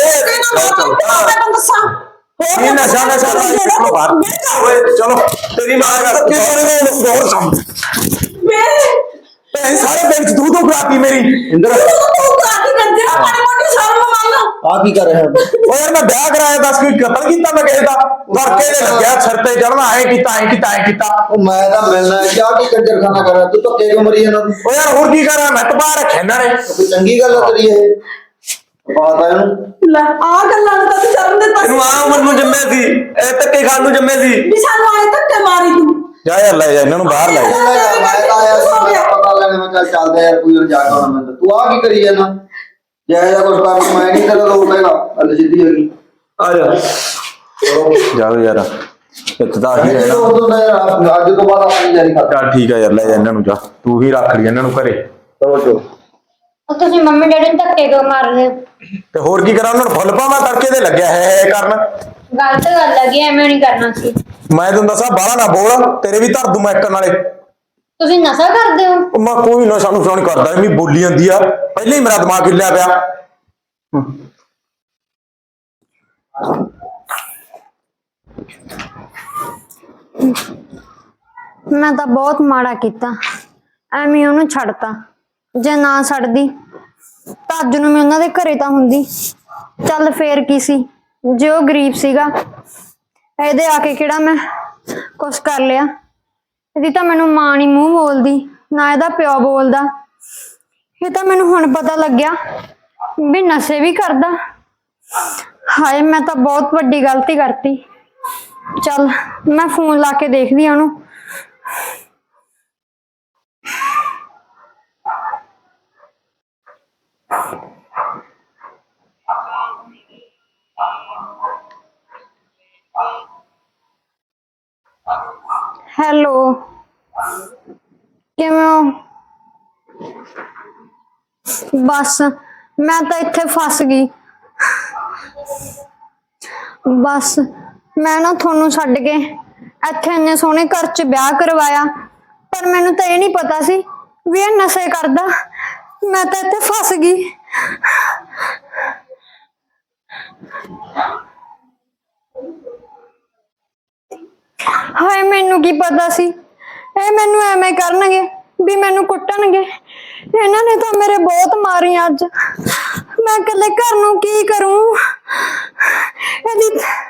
Speaker 5: ਇਹ ਨਸ਼ਾ ਨਸ਼ਾ ਚਲੋ ਬਾਹਰ ਓਏ ਚਲੋ,
Speaker 2: ਤੇਰੀ ਮਾਂ ਦਾ
Speaker 5: ਹੋਰ ਸਮ ਇਹ ਸਾਰੇ ਪਿੰਡ ਚ ਤੂੰ ਤੂੰ ਕਰਾਤੀ ਮੇਰੀ ਇੰਦਰ।
Speaker 8: ਆ ਕੀ ਕਰ ਰਿਹਾ
Speaker 5: ਓ ਯਾਰ ਮੈਂ ਵਿਆਹ ਕਰਾਇਆ, ਦੱਸ ਕੋਈ ਕਤਲ ਕੀਤਾ ਮੈਂ ਕਿਸੇ ਦਾ? ਵਰਕੇ ਦੇ ਲੱਗਿਆ ਸਿਰ ਤੇ ਚੜਨਾ, ਐ ਕੀਤਾ ਐ ਕੀਤਾ ਐ ਕੀਤਾ।
Speaker 8: ਉਹ ਮੈਂ ਤਾਂ ਮਿਲਣਾ ਹੈ ਕਿਆ ਕੀ ਕੰਜਰ ਖਾਨਾ ਕਰ ਰਿਹਾ ਤੂੰ ਧੱਕੇ ਕਿਉਂ ਮਰੀ ਇਹਨਾਂ ਨੂੰ
Speaker 5: ਓ ਯਾਰ ਹੋਰ ਕੀ ਕਰਾਂ, ਮੈਂ ਤਪਾ ਰੱਖਿਆ ਇਹਨਾਂ ਨੇ।
Speaker 8: ਕੋਈ ਚੰਗੀ ਗੱਲ ਆ ਤੇਰੀ ਇਹ ਪਤਾ ਇਹਨੂੰ
Speaker 1: ਲੈ ਆ ਗੱਲਾਂ ਨੂੰ ਤਾਂ ਤੂੰ ਸ਼ਰਮ ਦੇ
Speaker 2: ਇਹਨੂੰ ਆ ਉਮਰ ਨੂੰ ਜੰਮੇ ਸੀ, ਇਹ ਧੱਕੇ ਖਾਣ ਨੂੰ ਜੰਮੇ ਸੀ।
Speaker 1: ਵੀ ਸਾਨੂੰ ਆਏ ਧੱਕੇ ਮਾਰੀ ਤੂੰ
Speaker 5: ਜਾ ਯਾਰ ਲੈ ਜਾ ਇਹਨਾਂ ਨੂੰ ਬਾਹਰ ਲੈ ਜਾ।
Speaker 8: ਮੈਂ ਤਾਂ ਆਇਆ ਸੀ ਮੇਰਾ ਪਤਾ ਲੈਣੇ ਮੈਂ ਚੱਲ ਚੱਲਦਾ ਯਾਰ ਕੋਈ ਨਾ ਜਾ ਕੇ ਆਉਣਾ ਮੈਂ ਤੂੰ ਆ ਕੀ ਕਰੀ ਜਾਂਦਾ ਜੈ ਜਾ ਕੁਛ ਕਰ ਮੈਂ ਨਹੀਂ ਤੇਰਾ ਲੋਟ ਹੈਗਾ ਅੱਲ ਸਿੱਧੀ ਹੈਗੀ
Speaker 2: ਆ ਜਾ
Speaker 5: ਜਾਓ ਯਾਰ, ਇੱਦਾਂ ਹੀ ਰਹਿਣਾ।
Speaker 8: ਉਦੋਂ ਦਾ ਯਾਰ ਅੱਜ ਤੋਂ ਬਾਅਦ ਆਪਣੀ ਜਾਰੀ ਕਰ
Speaker 5: ਚੱਲ ਠੀਕ ਆ ਯਾਰ, ਲੈ ਜਾ ਇਹਨਾਂ ਨੂੰ, ਜਾ ਤੂੰ ਹੀ ਰੱਖ ਲਈ ਇਹਨਾਂ ਨੂੰ ਘਰੇ।
Speaker 8: ਚਲੋ
Speaker 4: ਉਹ ਤੁਸੀਂ ਮੰਮੀ ਡੈਡੀ ਨੂੰ ਧੱਕੇ ਕਿਉਂ ਮਾਰਦੇ ਹੋ?
Speaker 5: ਤੇ ਹੋਰ ਕੀ ਕਰਾਂ, ਉਹਨਾਂ ਨੂੰ ਫੁੱਲ ਪਾਵਾਂ ਤੜਕੇ ਦੇ ਲੱਗਿਆ ਹੈ ਕਰਨ।
Speaker 4: ਗਲਤ ਗੱਲ ਹੈਗੀ ਐਵੇਂ ਨਹੀਂ ਕਰਨਾ ਸੀ।
Speaker 5: ਮੈਂ ਤੈਨੂੰ ਦੱਸਾਂ ਬਾਹਲਾ ਨਾ ਬੋਲ, ਤੇਰੇ ਵੀ ਧਰ ਦੂੰ ਮੈਂ ਇੱਕ ਨਾਲੇ।
Speaker 4: ਤੁਸੀਂ ਨਸ਼ਾ ਕਰਦੇ ਹੋ?
Speaker 5: ਉਹ ਮੈਂ ਕੋਈ ਨਸ਼ਾ ਨੁਸ਼ਾ ਨਹੀਂ ਕਰਦਾ, ਐਵੇਂ ਬੋਲੀ ਜਾਂਦੀ ਆ, ਪਹਿਲਾਂ ਹੀ ਮੇਰਾ ਦਿਮਾਗ ਹਿੱਲਿਆ ਪਿਆ।
Speaker 10: ਮੈਂ ਤਾਂ ਬਹੁਤ ਮਾੜਾ ਕੀਤਾ, ਐਵੇਂ ਉਹਨੂੰ ਛੱਡਤਾ। ਜੇ ਨਾ ਛੱਡਦੀ ਤਾਂ ਅੱਜ ਨੂੰ ਮੈਂ ਉਹਨਾਂ ਦੇ ਘਰੇ ਤਾਂ ਹੁੰਦੀ। ਚੱਲ ਫੇਰ ਕੀ ਸੀ, ਜੇ ਉਹ ਗਰੀਬ ਸੀਗਾ, ਇਹਦੇ ਆ ਕੇ ਕਿਹੜਾ ਮੈਂ ਕੁਛ ਕਰ ਲਿਆ। ਇਹਦੀ ਤਾਂ ਮੈਨੂੰ ਮਾਂ ਨੀ ਮੂੰਹ ਬੋਲਦੀ, ਨਾ ਇਹਦਾ ਪਿਓ ਬੋਲਦਾ। ਇਹ ਤਾਂ ਮੈਨੂੰ ਹੁਣ ਪਤਾ ਲੱਗਿਆ ਵੀ ਨਸ਼ੇ ਵੀ ਕਰਦਾ। ਹਾਏ ਮੈਂ ਤਾਂ ਬਹੁਤ ਵੱਡੀ ਗਲਤੀ ਕਰਤੀ। ਚੱਲ ਮੈਂ ਫੋਨ ਲਾ ਕੇ ਦੇਖਦੀ ਆ ਉਹਨੂੰ। ਹੈਲੋ, ਕਿਵੇਂ ਹੋ? ਬਸ ਮੈਂ ਤਾਂ ਇੱਥੇ ਫਸ ਗਈ। ਬਸ ਮੈਂ ਨਾ ਤੁਹਾਨੂੰ ਛੱਡ ਕੇ ਇੱਥੇ ਇੰਨੇ ਸੋਹਣੇ ਘਰ 'ਚ ਵਿਆਹ ਕਰਵਾਇਆ, ਪਰ ਮੈਨੂੰ ਤਾਂ ਇਹ ਨਹੀਂ ਪਤਾ ਸੀ ਵੀ ਇਹ ਨਸ਼ੇ ਕਰਦਾ। ਮੈਂ ਤਾਂ ਇੱਥੇ ਫਸ ਗਈ। ਹਾਏ ਮੈਨੂੰ ਕੀ ਪਤਾ ਸੀ ਇਹ ਮੈਨੂੰ ਐਵੇਂ ਕਰਨਗੇ, ਵੀ ਮੈਨੂੰ ਕੁੱਟਣਗੇ। ਇਹਨਾਂ ਨੇ ਤਾਂ ਮੇਰੇ ਬਹੁਤ ਮਾਰੀਆਂ ਅੱਜ। ਮੈਂ ਇਕੱਲੇ ਘਰ ਨੂੰ ਕੀ ਕਰੂੰ? ਇਹਦੀ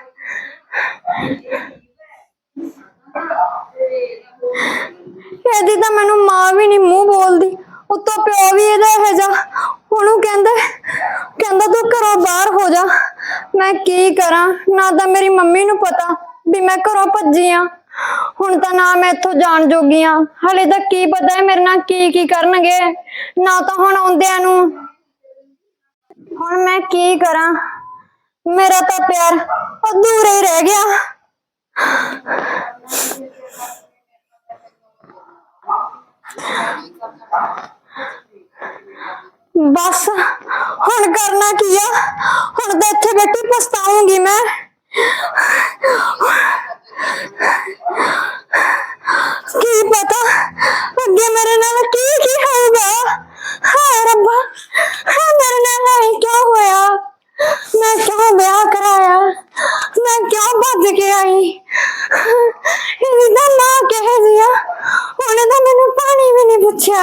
Speaker 10: ਇਹਦੀ ਤਾਂ ਮੈਨੂੰ ਮਾਂ ਵੀ ਨਹੀਂ ਮੂੰਹ ਬੋਲਦੀ, ਉੱਤੋਂ ਪਿਓ ਵੀ ਇਹਦਾ ਇਹੋ ਜਿਹਾ। ਉਹਨੂੰ ਕਹਿੰਦਾ ਕਹਿੰਦਾ ਤੂੰ ਘਰੋਂ ਬਾਹਰ ਹੋ ਜਾ। ਮੈਂ ਕੀ ਕਰਾਂ? ਨਾ ਤਾਂ ਮੇਰੀ ਮੰਮੀ ਨੂੰ ਪਤਾ ਵੀ ਮੈਂ ਘਰੋਂ ਭੱਜੀ ਆ, ਹੁਣ ਤਾਂ ਨਾ ਮੈਂ ਇੱਥੋਂ ਜਾਣ ਜੋਗੀ ਆ। ਹਲੇ ਤਾਂ ਕੀ ਪਤਾ ਹੈ ਮੇਰੇ ਨਾਲ ਕੀ ਕੀ ਕਰਨਗੇ, ਨਾ ਤਾਂ ਹੁਣ ਆਉਂਦਿਆਂ ਨੂੰ। ਹੁਣ ਮੈਂ ਕੀ ਕਰਾਂ? ਮੇਰਾ ਤਾਂ ਪਿਆਰ ਅਧੂਰਾ ਹੀ ਰਹਿ ਗਿਆ। ਬਸ ਹੁਣ ਕਰਨਾ ਕੀ ਆ? ਹੁਣ ਤਾਂ ਇੱਥੇ ਬੈਠੀ ਪਛਤਾਉਂਗੀ ਮੈਂ। ਕੀ ਪਤਾ ਅੱਗੇ ਮੇਰੇ ਨਾਲ ਕੀ ਕੀ ਹੋਊਗਾ। ਹਾਏ ਰੱਬਾ, ਹਾਏ ਮੇਰੇ ਨਾਲ ਇਹ ਕਿਉਂ ਹੋਇਆ? ਮੈਂ ਕਿਉਂ ਵਿਆਹ ਕਰਾਇਆ? ਮੈਂ ਕਿਉਂ ਭੱਜ ਕੇ ਆਈ? ਇਹਦੀ ਤਾਂ ਮਾਂ ਕਿਹੋ ਜਿਹੀ ਆ, ਉਹਨੇ ਤਾਂ ਮੈਨੂੰ ਪਾਣੀ ਵੀ ਨਹੀਂ ਪੁੱਛਿਆ।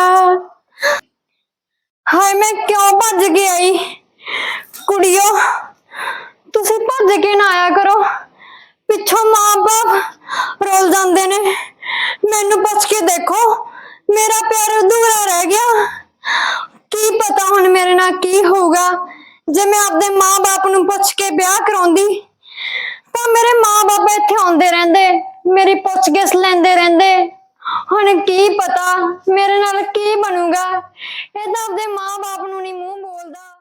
Speaker 10: ਹਾਏ ਮੈਂ ਕਿਉਂ ਭੱਜ ਕੇ ਆਈ? ਕੁੜੀਓ, ਤੁਸੀਂ ਭੱਜ ਕੇ ਨਾ ਆਇਆ ਕਰੋ, ਪਿੱਛੋਂ ਮਾਂ ਬਾਪ ਰੁੱਲ ਜਾਂਦੇ ਨੇ। ਮੈਨੂੰ ਪੁੱਛ ਕੇ ਦੇਖੋ, ਮੇਰਾ ਪਿਆਰ ਅਧੂਰਾ ਰਹਿ ਗਿਆ। ਕੀ ਪਤਾ ਹੁਣ ਮੇਰੇ ਨਾਲ ਕੀ ਹੋਊਗਾ। ਜੇ ਮੈਂ ਆਪਦੇ ਮਾਂ ਬਾਪ ਨੂੰ ਪੁੱਛ ਕੇ ਵਿਆਹ ਕਰਾਉਂਦੀ ਤਾਂ ਮੇਰੇ ਮਾਂ ਬਾਪ ਇੱਥੇ ਆਉਂਦੇ ਰਹਿੰਦੇ, ਮੇਰੀ ਪੁੱਛ ਗਿੱਛ ਲੈਂਦੇ ਰਹਿੰਦੇ। ਹੁਣ ਕੀ ਪਤਾ ਮੇਰੇ ਨਾਲ ਕੀ ਬਣੂਗਾ। ਇਹ ਤਾਂ ਆਪਦੇ ਮਾਂ ਬਾਪ ਨੂੰ ਨਹੀਂ ਮੂੰਹ ਬੋਲਦਾ।